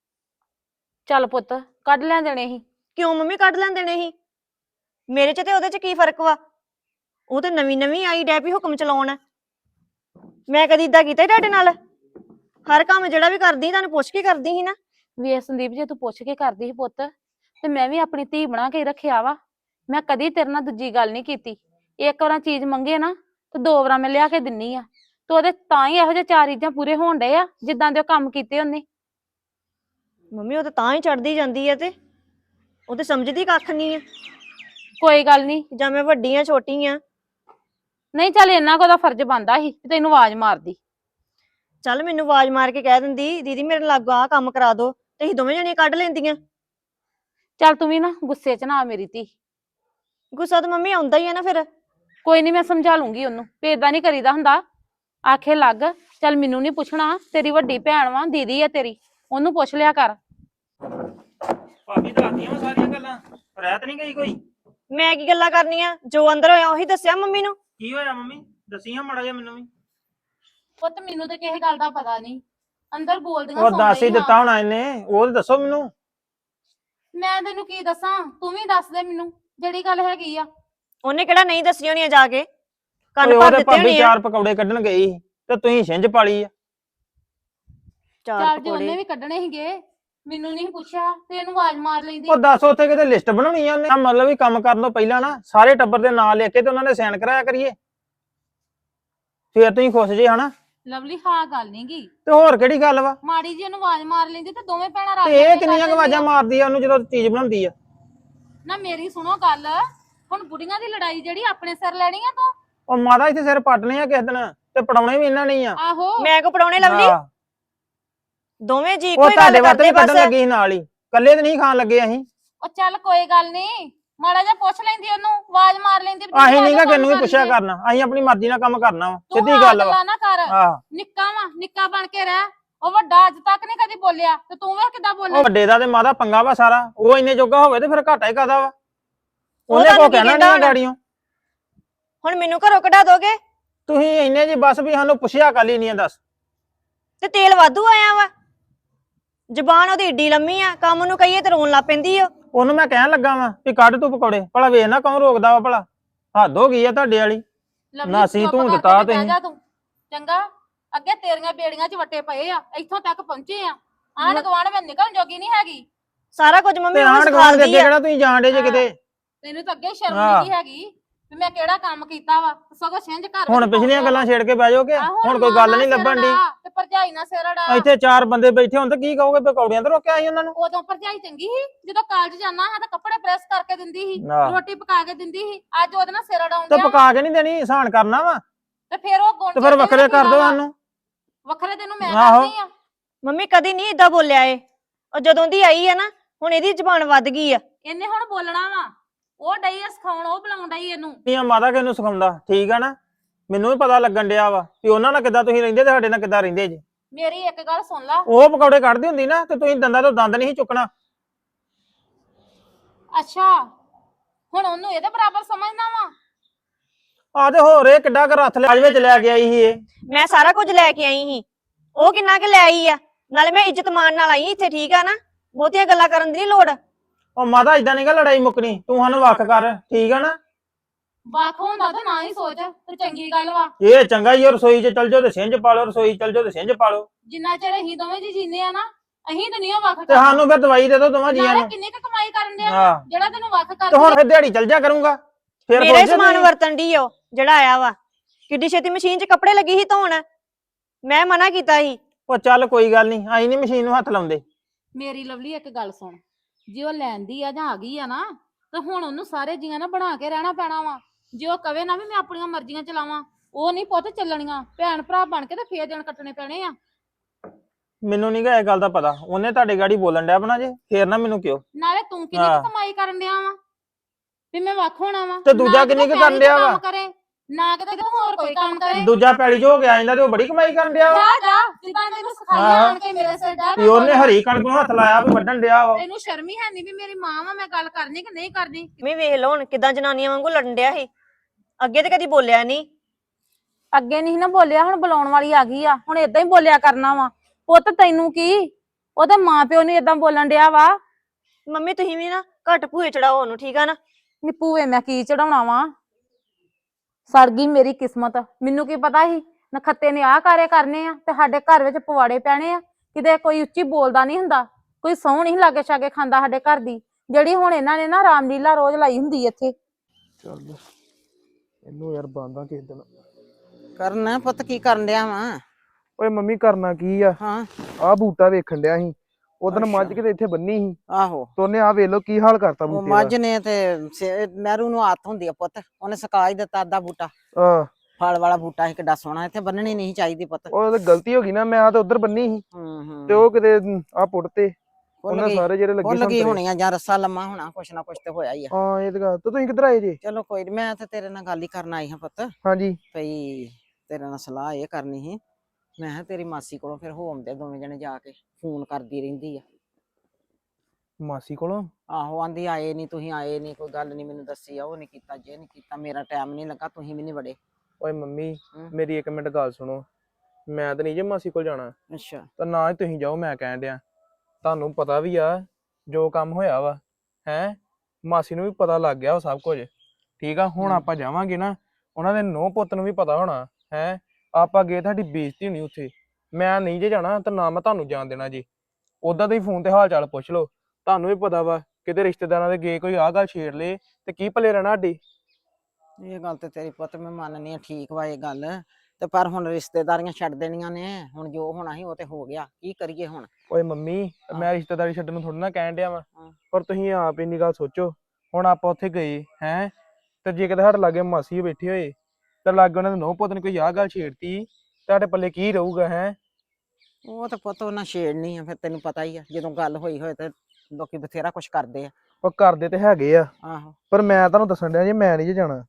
D: ਚੱਲ ਪੁੱਤ ਕੱਢ ਲੈਣ ਦੇਣੇ ਸੀ।
C: ਕਿਉਂ ਮੰਮੀ ਕੱਢ ਲੈਣ ਦੇਣੇ ਸੀ? ਮੇਰੇ ਚ ਤੇ ਉਹਦੇ ਚ ਕੀ ਫਰਕ ਵਾ? ਉਹ ਤੇ ਨਵੀਂ ਨਵੀਂ ਆਈ ਡੈਪੀ ਹੁਕਮ ਚਲਾਉਣ। ਮੈਂ ਕਦੀ ਇਦਾਂ ਕੀਤਾ ਤੁਹਾਡੇ ਨਾਲ? ਹਰ ਕੰਮ ਜਿਹੜਾ ਵੀ ਕਰਦੀ ਤੁਹਾਨੂੰ ਪੁੱਛ ਕੇ ਕਰਦੀ ਸੀ ਨਾ।
D: ਵੇ ਸੰਦੀਪ ਜੇ ਤੂੰ ਪੁੱਛ ਕੇ ਕਰਦੀ ਸੀ ਪੁੱਤ, ਤੇ ਮੈਂ ਵੀ ਆਪਣੀ ਧੀ ਬਣਾ ਕੇ ਰੱਖਿਆ ਵਾ। ਮੈਂ ਕਦੀ ਤੇਰੇ ਨਾਲ ਦੂਜੀ ਗੱਲ ਨਹੀਂ ਕੀਤੀ। ਇੱਕ ਵਾਰ ਚੀਜ਼ ਮੰਗੇ ਨਾ ਤੇ 2 ਵਾਰਾਂ ਮੈਂ ਲਿਆ ਕੇ ਦਿੰਨੀ ਆ। ਤੇ ਉਹਦੇ ਤਾਂ ਹੀ ਇਹੋ ਜਿਹੇ 4 ਚੀਜ਼ਾਂ ਪੂਰੇ ਹੋਣ ਡਏ ਆ ਜਿੱਦਾਂ ਦੇ ਉਹ ਕੰਮ ਕੀਤੇ ਉਹਨੇ।
C: ਮੰਮੀ ਉਹ ਤਾਂ ਹੀ ਚੜਦੀ ਜਾਂਦੀ ਆ, ਤੇ ਉਹ ਤੇ ਸਮਝਦੀ ਕੱਖ ਨਹੀਂ ਆ।
D: ਕੋਈ ਗੱਲ ਨਹੀਂ,
C: ਜਾਂ ਮੈਂ ਵੱਡੀ ਆ ਛੋਟੀ ਆ?
D: ਨਹੀਂ ਚੱਲ ਇੰਨਾ ਕੁ ਉਹਦਾ ਫਰਜ਼ ਬਣਦਾ ਸੀ ਕਿ ਤੈਨੂੰ ਆਵਾਜ਼ ਮਾਰਦੀ।
C: ਚੱਲ ਮੈਨੂੰ ਆਵਾਜ਼ ਮਾਰ ਕੇ ਕਹਿ ਦਿੰਦੀ ਦੀਦੀ ਮੇਰੇ ਲਾਗੋਂ ਆਹ ਕੰਮ ਕਰਾ ਦੋ, ਤੇ ਅਸੀਂ ਦੋਵੇਂ ਜਣੀਆਂ ਕੱਢ ਲੈਂਦੀਆਂ।
D: ਚੱਲ ਤੂੰ ਵੀ ਨਾ ਗੁੱਸੇ 'ਚ ਨਾ ਆ ਮੇਰੀ ਧੀ।
C: ਗੁੱਸਾ ਤਾਂ ਮੰਮੀ ਆਉਂਦਾ ਹੀ ਆ ਨਾ ਫਿਰ।
D: ਕੋਈ ਨਹੀਂ ਮੈਂ ਸਮਝਾ ਲੂੰਗੀ ਉਹਨੂੰ ਵੀ ਏਦਾਂ ਨਹੀਂ ਕਰੀਦਾ ਹੁੰਦਾ। ਆਖੇ ਲੱਗ, ਚੱਲ ਮੈਨੂੰ ਨਹੀਂ ਪੁੱਛਣਾ, ਤੇਰੀ ਵੱਡੀ ਭੈਣ ਵਾ, ਦੀਦੀ ਆ ਤੇਰੀ, ਉਹਨੂੰ ਪੁੱਛ ਲਿਆ ਕਰ।
B: ਭਾਬੀ ਦੱਸਦੀਆਂ ਸਾਰੀਆਂ ਗੱਲਾਂ, ਰਹਿਤ ਨਹੀਂ ਗਈ ਕੋਈ?
C: ਮੈਂ ਕੀ ਗੱਲਾਂ ਕਰਨੀਆਂ? ਜੋ ਅੰਦਰ ਹੋਇਆ ਉਹੀ ਦੱਸਿਆ ਮੰਮੀ ਨੂੰ।
B: ਕੀ ਹੋਇਆ ਮੰਮੀ? ਦੱਸੀਆਂ ਮਾੜਾ ਜਿਹਾ ਮੈਨੂੰ ਵੀ।
D: ਪੁੱਤ ਮੈਨੂੰ ਤਾਂ ਕਿਸੇ ਗੱਲ ਦਾ ਪਤਾ ਨਹੀਂ, ਅੰਦਰ ਬੋਲਦੀਆਂ
B: ਉਹ
D: ਸੁਣ
B: ਦੱਸ ਹੀ
D: ਰਹੀ ਹਾਂ।
B: ਦਿੱਤਾ ਹੋਣਾ ਇਹਨੇ, ਉਹ ਤਾਂ ਦੱਸੋ ਮੈਨੂੰ।
D: ਮੈਂ ਤੈਨੂੰ ਕੀ ਦੱਸਾਂ, ਤੂੰ ਵੀ ਦੱਸ ਦੇ ਮੈਨੂੰ ਜਿਹੜੀ ਗੱਲ ਹੈਗੀ ਆ।
C: ਉਹਨੇ ਕਿਹੜਾ ਨਹੀਂ ਦੱਸੀ ਹੋਣੀ ਆ ਜਾ ਕੇ? ਕੰਨ
B: ਓਏ
C: ਭਰ
B: ਉਹਦੇ
C: ਦਿੱਤੇ
B: ਭਾਬੀ
C: ਹੋਣੇ ਆ।
B: 4 ਪਕੌੜੇ ਕੱਢਣ ਗਈ ਸੀ ਤੇ ਤੁਸੀਂ ਛਿੰਝ ਪਾਲੀ ਆ।
C: ਚਾਰ
D: ਚੱਲ ਜੇ
C: ਪਕੌੜੇ।
D: ਉਹਨੇ ਵੀ ਕੱਢਣੇ ਸੀਗੇ, ਮੈਨੂੰ ਨਹੀਂ ਪੁੱਛਿਆ ਤੇ ਇਹਨੂੰ ਆਵਾਜ਼ ਮਾਰ ਲੈਂਦੀ।
B: ਉਹ ਦੱਸ ਉੱਥੇ ਕਿਤੇ ਲਿਸਟ ਬਣਾਉਣੀ ਆ ਉਹਨੇ? ਮਤਲਬ ਵੀ ਕੰਮ ਕਰਨ ਤੋਂ ਪਹਿਲਾਂ ਨਾ ਸਾਰੇ ਟੱਬਰ ਦੇ ਨਾਂ ਲਿਖ ਕੇ ਤੇ ਉਹਨਾਂ ਦੇ ਸਾਈਨ ਕਰਾਇਆ ਕਰੀਏ, ਫੇਰ ਤੁਸੀਂ ਖੁਸ਼ ਜੇ ਹਨਾ।
D: ਲਵਲੀ ਹਾਂ ਗੱਲ ਨੀ ਗੀ,
B: ਤੇ ਹੋਰ ਕਿਹੜੀ ਗੱਲ ਵਾ?
D: ਮਾੜੀ ਜੀ ਉਹਨੂੰ ਆਵਾਜ਼ ਮਾਰ ਲੈਂਦੀ ਤੇ ਦੋਵੇਂ ਭੈਣਾਂ ਰਲ
B: ਤੇ
D: ਕੇ
B: ਇਹ
D: ਕਰ
B: ਕਿੰਨੀਆਂ ਕੁ ਆਵਾਜ਼ਾਂ
D: ਲੈਂਦੀਆਂ।
B: ਮਾਰਦੀ ਆ ਉਹਨੂੰ ਜਦੋਂ ਚੀਜ਼ ਬਣਾਉਂਦੀ ਆ?
D: ਨਾ ਮੇਰੀ ਸੁਣੋ ਗੱਲ, ਹੁਣ ਬੁੜੀਆਂ ਦੀ ਲੜਾਈ ਜਿਹੜੀ ਆਪਣੇ ਸਿਰ ਲੈਣੀ ਆ ਤੂੰ।
B: ਉਹ ਮਾਤਾ ਇੱਥੇ ਸਿਰ ਪੱਟਨੇ ਆ ਕਿਸੇ ਦਿਨ, ਤੇ ਪੜਾਉਣੇ ਵੀ ਇਹਨਾਂ ਨਹੀਂ ਆ।
D: ਆਹੋ
C: ਮੈਂ ਕੋ ਪੜਾਉਣੇ ਲਵਲੀ?
B: ਆਹ,
C: ਦੋਵੇਂ ਜੀ
B: ਉਹ
C: ਕੋਈ
B: ਤੁਹਾਡੇ
C: ਗੱਲ
B: ਵਾਸਤੇ
C: ਕਰਦੇ
B: ਵੀ ਕੱਢਣ
C: ਬਸ।
B: ਲੱਗੀ ਸੀ ਨਾਲ ਹੀ, ਕੱਲੇ ਤੇ ਨਹੀਂ ਖਾਣ ਲੱਗੇ ਅਸੀਂ।
D: ਉਹ ਚੱਲ ਕੋਈ ਗੱਲ ਨਹੀਂ, ਮਾੜਾ ਜਿਹਾ ਪੁੱਛ ਲੈਂਦੀ ਉਹਨੂੰ, ਆਵਾਜ਼ ਮਾਰ ਲੈਂਦੀ।
B: ਅਸੀਂ ਨਹੀਂਗਾ ਕਿਹਨੂੰ ਵੀ ਪੁੱਛਿਆ ਕਰਨਾ, ਅਸੀਂ ਆਪਣੀ ਮਰਜ਼ੀ ਨਾਲ ਕੰਮ ਕਰਨਾ ਵਾ, ਸਿੱਧੀ ਗੱਲ ਵਾ।
D: ਨਾ ਕਰ,
B: ਆਹ,
D: ਨਿੱਕਾ ਵਾ, ਨਿੱਕਾ ਬਣ ਕੇ ਰਹਿ। ਉਹ ਵੱਡਾ ਅੱਜ ਤੱਕ ਨਹੀਂ ਕਦੀ ਬੋਲਿਆ ਤੇ ਤੂੰ ਵੇਖ ਕਿੱਦਾਂ ਬੋਲਿਆ।
B: ਉਹ ਵੱਡੇ ਦਾ ਤੇ ਮਾਦਾ ਪੰਗਾ ਵਾ ਸਾਰਾ, ਉਹ ਇੰਨੇ ਜੋਗਾ ਹੋਵੇ ਤੇ ਫਿਰ ਘਾਟਾ ਹੀ ਕਾਦਾ ਵਾ। ਉਹਨੇ
C: ਤੁਹਾਨੂੰ
B: ਕੋ
C: ਕੀ
B: ਕਹਿਣਾ
C: ਕਹਿੰਦਾ
B: ਨਹੀਂ
C: ਹੁਣ?
B: ਗਾੜੀਆਂ।
C: ਹੁਣ ਮੈਨੂੰ ਘਰੋਂ ਕਢਾ ਦੋਗੇ?
B: ਤੁਸੀਂ ਇੰਨੇ ਜੀ ਬਸ ਵੀ ਸਾਨੂੰ ਪੁੱਛਿਆ ਕੱਲ ਹੀ ਨਹੀਂ ਆ, ਦੱਸ।
C: ਤੇ ਤੇਲ ਵਾਧੂ ਆਇਆ ਵਾ, ਜ਼ਬਾਨ ਉਹਦੀ ਏਡੀ ਲੰਮੀ ਆ, ਕੰਮ ਨੂੰ ਕਹੀਏ ਤੇ ਰੋਣ ਲੱਗ ਪੈਂਦੀ ਆ।
B: ਉਹਨੂੰ ਮੈਂ ਕਹਿਣ ਲੱਗਾ ਵਾਂ ਵੀ ਕੱਢ ਤੂੰ ਪਕੌੜੇ, ਭਲਾ ਵੇਖ ਨਾ ਕੌਣ ਰੋਕਦਾ ਵਾ ਭਲਾ। ਹੱਦ ਹੋ ਗਈ ਆ ਤੁਹਾਡੇ ਵਾਲੀ।
D: ਲਵਲੀ,
B: ਨਾਸੀ
D: ਚੁੱਪ
B: ਤੂੰ
D: ਕਰਕੇ
B: ਦਿੱਤਾ
D: ਤੇ ਬਹਿ
B: ਤੁਸੀਂ।
D: ਜਾ ਤੂੰ ਚੰਗਾ। ਅੱਗੇ ਤੇਰੀਆਂ ਬੇੜੀਆਂ 'ਚ ਵੱਟੇ ਪਏ ਆ, ਇੱਥੋਂ ਤੱਕ ਪਹੁੰਚੇ ਆ। ਆਂਢ ਗੁਆਂਢ ਵਿੱਚ ਨਿਕਲਣ ਜੋਗੀ ਨਹੀਂ ਹੈਗੀ।
C: ਸਾਰਾ ਕੁਝ ਮੰਮੀ
B: ਤੇ
C: ਉਹਨੂੰ
B: ਆਂਢ ਗੁਆਂਢ ਦੇ
C: ਸਿਖਾਉਂਦੀ
B: ਅੱਗੇ
C: ਆ।
B: ਕਿਹੜਾ ਤੁਸੀਂ ਜਾਣਦੇ ਜੇ ਕਿਤੇ?
D: ਤੈਨੂੰ ਤਾਂ ਅੱਗੇ ਸ਼ਰਮ
B: ਹਾਂ।
D: ਨਹੀਂ ਹੈਗੀ ਵੀ ਮੈਂ ਕਿਹੜਾ ਕੰਮ ਕੀਤਾ ਵਾ, ਸਗੋਂ ਛਿੰਝ ਘਰ
B: ਹੁਣ
D: ਵਿੱਚ
B: ਪਿਛਲੀਆਂ
D: ਪਾਉਂਦੇ
B: ਗੱਲਾਂ
D: ਆ।
B: ਛੇੜ ਕੇ ਬਹਿ ਜਾਓਗੇ,
D: ਆਹੋ,
B: ਹੁਣ ਕੋਈ
D: ਮਾਂ
B: ਗੱਲ
D: ਨਾਲ
B: ਨਹੀਂ
D: ਸਿਰ
B: ਲੱਭਣ ਦੀ।
D: ਅੜਾ ਤੇ ਭਰਜਾਈ ਨਾਲ ਸਿਰ ਅੜਾ।
B: ਇੱਥੇ 4 ਬੰਦੇ ਬੈਠੇ ਹੁਣ ਤੇ ਕੀ ਕਹੋਗੇ? ਪਕੌੜਿਆਂ ਤੇ ਰੋਕਿਆ ਸੀ ਉਹਨਾਂ ਨੂੰ।
D: ਉਦੋਂ ਭਰਜਾਈ ਚੰਗੀ ਸੀ, ਜਦੋਂ ਕਾਲਜ ਜਾਣਾ ਹਾਂ ਤਾਂ ਕੱਪੜੇ ਪ੍ਰੈਸ ਕਰਕੇ ਦਿੰਦੀ ਸੀ,
B: ਆਹ।
D: ਰੋਟੀ ਪਕਾ ਕੇ ਦਿੰਦੀ ਸੀ। ਅੱਜ ਉਹਦੇ ਨਾਲ ਸਿਰ
B: ਤੇ
D: ਅਡਾਉਂਦੇ ਆ
B: ਪਕਾ ਕੇ ਨਹੀਂ ਦੇਣੀ, ਆਸਾਨ ਕਰਨਾ ਵਾ
D: ਤੇ ਫਿਰ ਉਹ ਗੁਣ
B: ਤੇ ਫਿਰ ਵੱਖਰੇ ਕਰ ਦਿਓ ਸਾਨੂੰ।
D: ਵੱਖਰੇ ਤੈਨੂੰ ਮੈਂ
B: ਆਹੋ।
D: ਕਰਦੀ ਆ।
C: ਮੰਮੀ ਕਦੀ ਨਹੀਂ ਏਦਾਂ ਬੋਲਿਆ ਏ। ਉਹ ਜਦੋਂ ਦੀ ਆਈ ਆ ਨਾ, ਹੁਣ ਇਹਦੀ ਜ਼ਬਾਨ ਵੱਧ ਗਈ ਆ।
D: ਇਹਨੇ ਹੁਣ ਬੋਲਣਾ ਵਾ, ਉਹ ਡਈ ਆ ਸਿਖਾਉਣ, ਉਹ ਬੁਲਾਉਣ ਡਈ ਇਹਨੂੰ।
B: ਨਹੀਂ ਮਾਤਾ ਕਿਸ ਨੂੰ ਸਿਖਾਉਂਦਾ, ਠੀਕ ਆ ਨਾ? ਮੈਨੂੰ ਵੀ ਪਤਾ ਲੱਗਣ ਡਿਆ ਵਾ ਵੀ ਉਹਨਾਂ ਨਾਲ ਕਿੱਦਾਂ ਤੁਸੀਂ ਰਹਿੰਦੇ ਤੇ ਸਾਡੇ ਨਾਲ ਕਿੱਦਾਂ ਰਹਿੰਦੇ ਜੀ।
D: ਮੇਰੀ ਇੱਕ ਗੱਲ ਸੁਣ ਲਾ।
B: ਉਹ ਪਕੌੜੇ ਕੱਢਦੀ ਹੁੰਦੀ ਨਾ ਤੇ ਤੁਸੀਂ ਦੰਦਾਂ ਤੋਂ ਦੰਦ ਨਹੀਂ ਸੀ ਚੁੱਕਣਾ।
D: ਅੱਛਾ, ਹੁਣ ਉਹਨੂੰ ਇਹਦੇ ਬਰਾਬਰ ਸਮਝਦਾ ਵਾ?
B: ਆ ਤੇ ਹੋਰ ਇਹ ਕਿੱਡਾ ਕੁ ਰੱਥ ਲਿਆਜ ਵਿੱਚ ਲੈ ਕੇ ਆਈ ਸੀ ਇਹ।
C: ਮੈਂ ਸਾਰਾ ਕੁਝ ਲੈ ਕੇ ਆਈ ਸੀ, ਉਹ ਕਿੰਨਾ ਕੁ ਲੈ ਆਈ ਆ। ਨਾਲੇ ਮੈਂ ਇੱਜ਼ਤ ਮਾਨ ਨਾਲ ਆਈ ਇੱਥੇ, ਠੀਕ ਆ ਨਾ? ਬਹੁਤੀਆਂ ਗੱਲਾਂ ਕਰਨ ਦੀ ਨੀ ਲੋੜ।
B: ਉਹ ਮਾਤਾ ਇਦਾਂ ਨੀ ਗਾ ਲੜਾਈ ਮੁੱਕਣੀ, ਤੂੰ ਸਾਨੂੰ ਵੱਖ ਕਰ, ਠੀਕ ਆ ਨਾ?
D: ਵੱਖ ਹੁੰਦਾ ਤਾਂ ਨਾ ਹੀ ਸੋਚ ਤੇ ਚੰਗੀ ਗੱਲ ਵਾ।
B: ਇਹ ਚੰਗਾ ਹੀ ਆ, ਰਸੋਈ 'ਚ ਚੱਲ ਜਾਓ ਤੇ ਸਿੰਝ ਪਾ ਲਓ, ਰਸੋਈ 'ਚ ਚੱਲ ਜਾਓ ਤੇ ਸਿੰਝ ਪਾ ਲਓ।
D: ਜਿੰਨਾ ਚਿਰ ਅਸੀਂ ਦੋਵੇਂ ਜੀ ਜੀਨੇ ਆ ਨਾ, ਅਸੀਂ ਤਾਂ ਨਹੀਂ ਵੱਖ
B: ਤੇ ਸਾਨੂੰ ਫਿਰ ਦਵਾਈ ਦੇ ਦਿਓ ਦੋਵਾਂ ਜੀਆਂ
D: ਨਾਲੇ
B: ਨੂੰ।
D: ਕਿੰਨੀ ਕੁ ਕਮਾਈ ਕਰਨ ਦੇ
B: ਹਾਂ,
D: ਜਿਹੜਾ ਤੈਨੂੰ ਵੱਖ
B: ਤੇ
D: ਕਰਦੀ
B: ਹੁਣ ਫਿਰ ਦਿਹਾੜੀ ਚੱਲ ਜਾ ਕਰੂੰਗਾ, ਫਿਰ
C: ਮੇਰਾ ਹੀ ਸਮਾਨ ਵਰਤਣ ਦੀ ਓ, ਜਿਹੜਾ ਆਇਆ ਵਾ। ਕਿੱਡੀ ਛੇਤੀ ਮਸ਼ੀਨ 'ਚ ਕੱਪੜੇ ਲੱਗੀ ਸੀ ਧੋਣ। ਮੈਂ ਮਨਾ ਕੀਤਾ ਸੀ।
B: ਉਹ ਚੱਲ ਕੋਈ ਗੱਲ ਨਹੀਂ, ਅਸੀਂ ਨਹੀਂ ਮਸ਼ੀਨ ਨੂੰ ਹੱਥ ਲਾਉਂਦੇ।
D: ਮੇਰੀ ਲਵਲੀ ਇੱਕ ਗੱਲ ਸੁਣ, ਜੇ ਉਹ ਲੈਂਦੀ ਆ ਜਾਂ ਆ ਗਈ ਆ ਨਾ, ਤਾਂ ਹੁਣ ਉਹਨੂੰ ਸਾਰੇ ਜੀਆਂ ਨਾ ਬਣਾ ਕੇ ਰਹਿਣਾ ਪੈਣਾ ਵਾ। ਜੇ ਉਹ ਕਵੇ ਨਾ ਵੀ ਮੈਂ ਆਪਣੀਆਂ ਮਰਜ਼ੀਆਂ ਚਲਾਵਾਂ, ਉਹ ਨਹੀਂ ਪੁੱਤ ਚੱਲਣੀਆਂ। ਭੈਣ ਭਰਾ ਬਣ ਕੇ ਤੇ ਫੇਰ ਦਿਨ ਕੱਟਣੇ ਪੈਣੇ ਆ।
B: ਮੈਨੂੰ ਨਹੀਂ ਗਾ ਇਹ ਗੱਲ ਦਾ ਪਤਾ, ਉਹਨੇ ਤੁਹਾਡੇ ਗਾੜੀ ਬੋਲਣ ਡਿਆ ਬਣਾ ਜੇ, ਫੇਰ ਨਾ ਮੈਨੂੰ ਕਿਉਂ।
D: ਨਾਲੇ ਤੂੰ ਕਿੰਨੀ
B: ਹਾਂ।
D: ਕੁ ਕਮਾਈ ਕਰਨ ਡਿਆ ਵਾ ਵੀ ਮੈਂ ਵੱਖ ਹੋਣਾ ਵਾ?
B: ਤੇ ਦੂਜਾ
D: ਨਾ
B: ਕਿੰਨੀ
D: ਕਿਤੇ
B: ਕੁ ਕਰਨ
D: ਪੈਲੀ
B: ਡਿਆ
D: ਦਾ
B: ਵਾ?
D: ਕੰਮ ਕਰੇ, ਨਾ ਕਿਤੇ ਹੋਰ ਕੋਈ ਕੰਮ ਕਰੇ।
B: ਦੂਜਾ ਪੈਲੀ ਜੋ ਹੋ ਗਿਆ ਜਾਂਦਾ ਤੇ ਉਹ ਬੜੀ ਕਮਾਈ ਕਰਨ ਡਿਆ ਵਾ।
D: ਜਾ ਜਾ, ਜਿੱਦਾਂ ਤੈਨੂੰ ਸਿਖਾਈ
B: ਹਾਂ।
D: ਆਣ ਕੇ ਮੇਰੇ ਸਿਰ ਦਾ
B: ਤੇ ਉਹਨੇ ਹਰੀ ਕਣਕ ਨੂੰ ਹੱਥ ਲਾਇਆ ਵੀ ਵੱਢਣ ਡਿਆ ਵਾ।
D: ਤੈਨੂੰ ਸ਼ਰਮ ਹੀ ਹੈ ਨਹੀਂ ਵੀ ਮੇਰੀ ਮਾਂ ਵਾ, ਮੈਂ ਗੱਲ ਕਰਨੀ ਕਿ ਨਹੀਂ ਕਰਨੀ?
C: ਮੈਂ ਵੇਖ ਲਓ ਹੁਣ ਕਿਦਾਂ ਜਨਾਨੀਆਂ ਵਾਂਗੂ ਲੜਨ ਡਿਆ ਸੀ। ਅੱਗੇ ਤੇ ਕਦੀ ਬੋਲਿਆ ਨਹੀਂ।
D: ਅੱਗੇ ਨਹੀਂ ਨਾ ਬੋਲਿਆ, ਹੁਣ ਬੁਲਾਉਣ ਵਾਲੀ ਆ ਗਈ ਆ, ਹੁਣ ਏਦਾਂ ਹੀ ਬੋਲਿਆ ਕਰਨਾ ਵਾ। ਪੁੱਤ ਤੈਨੂੰ ਕੀ, ਉਹਦੇ ਮਾਂ ਪਿਓ ਨੇ ਏਦਾਂ ਬੋਲਣ ਡਿਆ ਵਾ।
C: ਮੰਮੀ ਤੁਸੀਂ ਵੀ ਨਾ ਘੱਟ ਭੂਏ ਚੜਾਓ ਉਹਨੂੰ, ਠੀਕ ਆ ਨਾ?
D: ਨੀ ਭੂਏ ਮੈਂ ਕੀ ਚੜਾਉਣਾ ਵਾ? ਸੜ ਗਈ ਮੇਰੀ ਕਿਸਮਤ। ਮੈਨੂੰ ਕੀ ਪਤਾ ਸੀ ਨਖੱਤੇ ਨੇ ਆਹ ਕਾਰੇ ਕਰਨੇ ਆ ਤੇ ਸਾਡੇ ਘਰ ਵਿੱਚ ਪਵਾੜੇ ਪੈਣੇ ਆ। ਕਿਤੇ ਕੋਈ ਉੱਚੀ ਬੋਲਦਾ ਨਹੀਂ ਹੁੰਦਾ, ਕੋਈ ਸਹੁੰ ਨਹੀਂ ਲਾਗੇ ਛਾਗੇ ਖਾਂਦਾ ਸਾਡੇ ਘਰ ਦੀ, ਜਿਹੜੀ ਹੁਣ ਇਹਨਾਂ ਨੇ ਨਾ ਰਾਮਲੀਲਾ ਰੋਜ਼ ਲਾਈ ਹੁੰਦੀ ਇੱਥੇ।
B: ਚੱਲ ਇਹਨੂੰ ਯਾਰ ਬਾਂਦਾ ਕਿਸ ਦਿਨ।
E: ਕਰਨਾ ਪੁੱਤ, ਕੀ ਕਰਨ ਡਿਆ ਵਾ?
F: ਓਏ ਮੰਮੀ ਕਰਨਾ ਕੀ ਆ?
E: ਹਾਂ।
F: ਆਹ ਬੂਟਾ ਵੇਖਣ ਡਿਆ ਸੀ, ਉਦੋਂ ਮੱਝ
E: ਅੱਛਾ।
F: ਕਿਤੇ ਇੱਥੇ ਬੰਨੀ ਸੀ,
E: ਆਹੋ,
F: ਤੋਨੇ ਆ ਵੇਖ ਲੋ ਕੀ ਹਾਲ ਕਰਤਾ
E: ਉਹ
F: ਬੂਟੇ
E: ਮੱਝ ਨੇ ਤੇ ਮਹਿਰੂ ਨੂੰ ਆਦਤ ਹੁੰਦੀ ਆ ਪੁੱਤ, ਉਹਨੇ ਸਕਾ ਹੀ ਦਿੱਤਾ ਅੱਧਾ ਬੂਟਾ।
F: ਦਾ।
E: ਫਲ ਵਾਲਾ ਬੂਟਾ ਸੀ ਕਿੱਡਾ ਸੋਹਣਾ, ਇੱਥੇ ਬੰਨਣੀ ਨਹੀਂ ਚਾਹੀਦੀ ਪੁੱਤ।
F: ਉਹ ਤੇ ਗਲਤੀ ਹੋ ਗਈ ਨਾ, ਮੈਂ ਤਾਂ ਉਧਰ ਬੰਨੀ ਸੀ
E: ਹੂੰ
F: ਤੇ ਉਹ ਕਿਤੇ ਆ ਪੁੱਟ ਤੇ
E: ਭੁੱਲ
F: ਉਹਨਾਂ
E: ਗਈ,
F: ਸਾਰੇ ਜਿਹੜੇ ਲੱਗੇ
E: ਭੁੱਲ ਗਈ
F: ਸੰਤਰੇ।
E: ਹੋਣੀ ਆ, ਜਾਂ ਰੱਸਾ ਲੰਮਾ ਹੋਣਾ, ਕੁਛ ਨਾ ਕੁਛ ਤੇ ਹੋਇਆ ਹੀ ਆ।
F: ਹਾਂ ਇਹ ਤਾਂ ਗੱਲ। ਤੇ ਤੁਸੀਂ ਕਿੱਧਰ ਆਏ ਜੇ?
E: ਚਲੋ ਕੋਈ ਨੀ, ਮੈਂ ਤੇ ਤੇਰੇ ਨਾਲ ਗੱਲ ਹੀ ਕਰਨ ਆਈ ਹਾਂ ਪੁੱਤ।
F: ਹਾਂਜੀ।
E: ਭਈ ਤੇਰੇ ਨਾਲ ਸਲਾਹ ਇਹ ਕਰਨੀ ਸੀ, ਮੈਂ ਕਿਹਾ ਤੇਰੀ ਮਾਸੀ ਕੋਲੋਂ ਫਿਰ ਹੋ ਆਉਂਦੇ ਦੋਵੇਂ ਜਣੇ ਜਾ ਕੇ, ਫੋਨ ਕਰਦੀ ਰਹਿੰਦੀ ਆ।
F: ਮਾਸੀ ਕੋਲੋਂ?
E: ਆਹੋ, ਆਂਦੀ ਆਏ ਨਹੀਂ ਤੁਸੀਂ, ਆਏ ਨਹੀਂ, ਕੋਈ ਗੱਲ ਨਹੀਂ ਮੈਨੂੰ ਦੱਸੀ ਆ, ਉਹ ਨਹੀਂ ਕੀਤਾ, ਜੇ ਨਹੀਂ ਕੀਤਾ, ਮੇਰਾ ਟਾਈਮ ਨਹੀਂ ਲੱਗਾ, ਤੁਸੀਂ ਵੀ ਨਹੀਂ ਵੜੇ।
F: ਓਏ ਮੰਮੀ
E: ਹਮ।
F: ਮੇਰੀ ਇੱਕ ਮਿੰਟ ਗੱਲ ਸੁਣੋ, ਮੈਂ ਤਾਂ ਨਹੀਂ ਜੇ ਮਾਸੀ ਕੋਲ ਜਾਣਾ,
E: ਅੱਛਾ।
F: ਤਾਂ ਨਾ ਹੀ ਤੁਸੀਂ ਜਾਓ, ਮੈਂ ਕਹਿਣ ਡਿਆ। ਤੁਹਾਨੂੰ ਪਤਾ ਵੀ ਆ ਜੋ ਕੰਮ ਹੋਇਆ ਵਾ, ਹੈ ਮਾਸੀ ਨੂੰ ਵੀ ਪਤਾ ਲੱਗ ਗਿਆ ਉਹ ਸਭ ਕੁਝ, ਠੀਕ ਆ? ਹੁਣ ਆਪਾਂ ਜਾਵਾਂਗੇ ਨਾ, ਉਹਨਾਂ ਦੇ ਨੂੰਹ ਪੁੱਤ ਨੂੰ ਵੀ ਪਤਾ ਹੋਣਾ, ਹੈ ਆਪਾਂ ਗਏ, ਤੁਹਾਡੀ ਬੇਇੱਜ਼ਤੀ ਹੋਣੀ ਉੱਥੇ। ਮੈਂ ਨਹੀਂ ਜੇ ਜਾਣਾ ਤਾਂ ਨਾ ਮੈਂ ਤੁਹਾਨੂੰ ਜਾਣ ਦੇਣਾ ਜੀ। ਉਦਾਂ ਤੁਸੀਂ ਫੋਨ ਤੇ ਹਾਲ ਚਾਲ ਪੁੱਛ ਲਓ, ਤੁਹਾਨੂੰ ਵੀ ਪਤਾ ਵਾ ਕਿਤੇ ਰਿਸ਼ਤੇਦਾਰਾਂ ਦੇ ਗਏ ਕੋਈ ਆਹ ਗੱਲ ਛੇੜ ਲੇ ਤੇ ਕੀ ਭਲੇ ਰਹਿਣਾ ਸਾਡੀ।
E: ਇਹ ਗੱਲ ਤੇ ਤੇਰੀ ਪੁੱਤ ਮੈਂ ਮੰਨਨੀ ਆ, ਠੀਕ ਵਾ ਇਹ ਗੱਲ, ਤੇ ਪਰ ਹੁਣ ਰਿਸ਼ਤੇਦਾਰੀਆਂ ਛੱਡ ਦੇਣੀਆਂ ਨੇ, ਹੁਣ ਜੋ ਹੋਣਾ ਸੀ ਉਹ ਤੇ ਹੋ ਗਿਆ, ਕੀ ਕਰੀਏ ਹੁਣ?
F: ਓਏ ਮੰਮੀ ਮੈਂ ਰਿਸ਼ਤੇਦਾਰੀ ਛੱਡਣ ਨੂੰ ਥੋੜਾ ਨਾ ਕਹਿਣ ਡਿਆ ਵਾ,
E: ਹਾਂ।
F: ਪਰ ਤੁਸੀਂ ਆਪ ਇੰਨੀ ਗੱਲ ਸੋਚੋ। ਹੁਣ ਆਪਾਂ ਉੱਥੇ ਗਏ ਹੈ, ਤੇ ਜੇ ਕਿਤੇ ਸਾਡੇ ਲਾਗੇ ਮਾਸੀ ਬੈਠੇ ਹੋਏ ਤੇ ਲਾਗੇ ਉਹਨਾਂ ਦੇ ਨੂੰਹ ਪੁੱਤ ਨੇ ਕੋਈ ਆਹ ਗੱਲ ਛੇੜਤੀ, ਤੁਹਾਡੇ ਪੱਲੇ ਕੀ ਰਹੂਗਾ? ਹੈ
E: ਉਹ ਤੇ ਪੁੱਤ ਉਹਨਾਂ ਛੇੜਨੀ ਆ, ਫਿਰ ਤੈਨੂੰ ਪਤਾ ਹੀ ਆ, ਜਦੋਂ ਗੱਲ ਹੋਈ ਹੋਏ ਤੇ ਲੋਕੀ ਬਥੇਰਾ ਕੁਛ ਕਰਦੇ ਆ।
F: ਉਹ ਕਰਦੇ ਤੇ ਹੈਗੇ ਆ,
E: ਆਹੋ,
F: ਪਰ ਮੈਂ ਤੁਹਾਨੂੰ ਦੱਸਣ ਡਿਆ ਜੇ ਮੈਂ ਨਹੀਂ ਜੇ ਜਾਣਾ।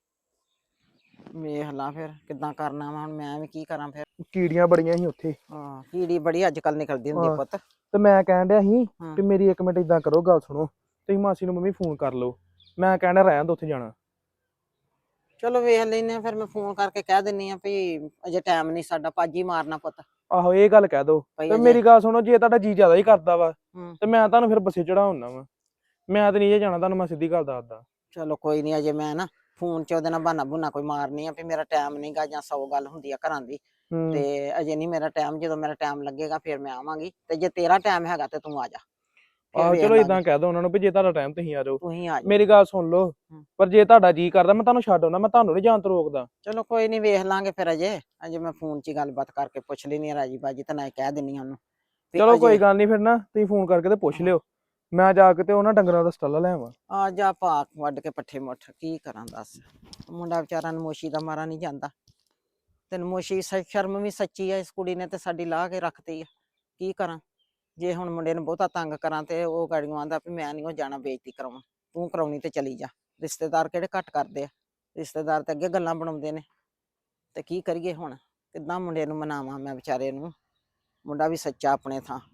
E: ਵੇਖ ਲਾ ਫਿਰ ਕਿੱਦਾਂ ਕਰਨਾ ਵਾ, ਹੁਣ ਮੈਂ ਵੀ ਕੀ ਕਰਾਂ ਫਿਰ।
F: ਕੀੜੀਆਂ ਬੜੀਆਂ ਸੀ ਉੱਥੇ,
E: ਹਾਂ, ਕੀੜੀ ਬੜੀ ਅੱਜ ਕੱਲ ਨਿਕਲਦੀ ਹੁੰਦੀ ਆ
F: ਹਾਂ।
E: ਪੁੱਤ।
F: ਤੇ ਮੈਂ ਕਹਿਣ ਡਿਆ ਸੀ
E: ਹਾਂ।
F: ਕਿ ਮੇਰੀ ਇੱਕ ਮਿੰਟ ਇਦਾਂ ਕਰੋ, ਗੱਲ ਸੁਣੋ, ਤੁਸੀਂ ਮਾਸੀ ਨੂੰ ਮੰਮੀ ਫੋਨ ਕਰ ਲਓ, ਮੈਂ ਕਹਿਣਾ ਰਹਿਣ ਦੋ ਉੱਥੇ ਜਾਣਾ।
E: ਚਲੋ ਵੇਖ ਲੈਨੇ ਆ, ਫਿਰ ਮੈਂ ਫੋਨ ਕਰਕੇ ਕਹਿ ਦਿੰਨੀ ਆ ਵੀ ਅਜੇ ਟਾਈਮ ਨਹੀਂ ਸਾਡਾ, ਭਾਜੀ ਮਾਰਨਾ ਪੁੱਤ।
F: ਆਹੋ ਇਹ ਗੱਲ ਕਹਿ ਦੋ।
E: ਭਈ
F: ਤੇ
E: ਅਜੇ-
F: ਮੇਰੀ ਗੱਲ ਸੁਣੋ, ਜੇ ਤੁਹਾਡਾ ਜੀ ਜ਼ਿਆਦਾ ਹੀ ਕਰਦਾ ਵਾ
E: ਹੂੰ।
F: ਤੇ ਮੈਂ ਤੁਹਾਨੂੰ ਫਿਰ ਬੱਸੇ ਚੜਾਉਣਾ ਵਾ, ਮੈਂ ਤਾਂ ਨਹੀਂ ਜੇ ਜਾਣਾ, ਤੁਹਾਨੂੰ ਮੈਂ ਸਿੱਧੀ ਗੱਲ ਦੱਸਦਾ।
E: ਚਲੋ ਕੋਈ ਨਹੀਂ, ਅਜੇ ਮੈਂ ਨਾ ਫੋਨ 'ਚ ਉਹਦੇ ਨਾਲ ਬਹਾਨਾ ਬੁਨਾ ਕੋਈ ਮਾਰਨੀ ਆ ਵੀ ਮੇਰਾ ਟਾਈਮ ਨਹੀਂਗਾ, ਜਾਂ 100 ਗੱਲ ਹੁੰਦੀ ਆ ਘਰਾਂ ਦੀ,
F: ਹੂੰ।
E: ਤੇ ਅਜੇ ਨਹੀਂ ਮੇਰਾ ਟਾਈਮ, ਜਦੋਂ ਮੇਰਾ ਟਾਈਮ ਲੱਗੇਗਾ ਫਿਰ ਮੈਂ ਆਵਾਂਗੀ, ਤੇ ਜੇ ਤੇਰਾ ਟਾਈਮ ਹੈਗਾ ਤੇ ਤੂੰ ਆ ਜਾ। ਫਿਰ
F: ਆਹੋ
E: ਵੇਖ
F: ਚਲੋ
E: ਲਾਂਗੇ।
F: ਇਦਾਂ ਕਹਿ ਦੋ ਉਹਨਾਂ ਨੂੰ ਵੀ ਜੇ ਤੁਹਾਡਾ ਟਾਈਮ ਤੁਸੀਂ ਆ ਜਾਓ।
E: ਤੁਸੀਂ ਆ ਜਾ।
F: ਮੇਰੀ ਗੱਲ ਸੁਣ ਲਓ,
E: ਹੂੰ।
F: ਪਰ ਜੇ ਤੁਹਾਡਾ ਜੀ ਕਰਦਾ ਮੈਂ ਤੁਹਾਨੂੰ ਛੱਡ ਆਉਣਾ, ਮੈਂ ਤੁਹਾਨੂੰ ਨਹੀਂ ਜਾਣ ਤੋਂ ਰੋਕਦਾ।
E: ਚਲੋ ਕੋਈ ਨਹੀਂ, ਵੇਖ ਲਾਂਗੇ ਫਿਰ, ਅਜੇ ਮੈਂ ਫੋਨ 'ਚ ਹੀ ਗੱਲਬਾਤ ਕਰਕੇ ਪੁੱਛ ਲੈਣੀ ਆ ਰਾਜੀ ਬਾਜੀ, ਤੇ ਨਾ ਕਹਿ ਦਿੰਨੀ ਆ ਉਹਨੂੰ ਵੀ
F: ਚਲੋ ਕੋਈ
E: ਅਜੇ
F: ਗੱਲ ਨਹੀਂ, ਫਿਰ ਨਾ ਤੁਸੀਂ ਫੋਨ ਕਰਕੇ ਤੇ ਪੁੱਛ ਲਿਓ, ਮੈਂ ਜਾ ਕੇ ਤੇ ਉਹਨਾਂ ਡੰਗਰਾਂ ਦਾ ਸਟਾਲਾ ਲੈ ਆਵਾਂ।
E: ਆ ਜਾ, ਭਾਕ ਵੱਢ ਕੇ ਪੱਠੇ ਮੁੱਠ ਕੀ ਕਰਾਂ ਦੱਸ। ਮੁੰਡਾ ਵਿਚਾਰਾ ਨਮੋਸ਼ੀ ਦਾ ਮਾਰਾ ਨਹੀਂ ਜਾਂਦਾ, ਤੇ ਨਮੋਸ਼ੀ ਸ਼ਰਮ ਵੀ ਸੱਚੀ ਆ, ਇਸ ਕੁੜੀ ਨੇ ਤੇ ਸਾਡੀ ਲਾਹ ਕੇ ਰੱਖਤੀ ਆ, ਕੀ ਕਰਾਂ? ਜੇ ਹੁਣ ਮੁੰਡੇ ਨੂੰ ਬਹੁਤਾ ਤੰਗ ਕਰਾਂ ਤੇ ਉਹ ਗਾੜੀਆਂ ਆਂਦਾ ਵੀ ਮੈਂ ਨਹੀਂ ਉਹ ਜਾਣਾ ਬੇਇੱਜ਼ਤੀ ਕਰਾਉਣ, ਤੂੰ ਕਰਾਉਣੀ ਤੇ ਚਲੀ ਜਾ। ਰਿਸ਼ਤੇਦਾਰ ਕਿਹੜੇ ਘੱਟ ਕਰਦੇ ਆ, ਰਿਸ਼ਤੇਦਾਰ ਤੇ ਅੱਗੇ ਗੱਲਾਂ ਬਣਾਉਂਦੇ ਨੇ, ਤੇ ਕੀ ਕਰੀਏ ਹੁਣ? ਕਿੱਦਾਂ ਮੁੰਡੇ ਨੂੰ ਮਨਾਵਾਂ ਮੈਂ ਵਿਚਾਰੇ ਨੂੰ? ਮੁੰਡਾ ਵੀ ਸੱਚਾ ਆਪਣੇ ਥਾਂ।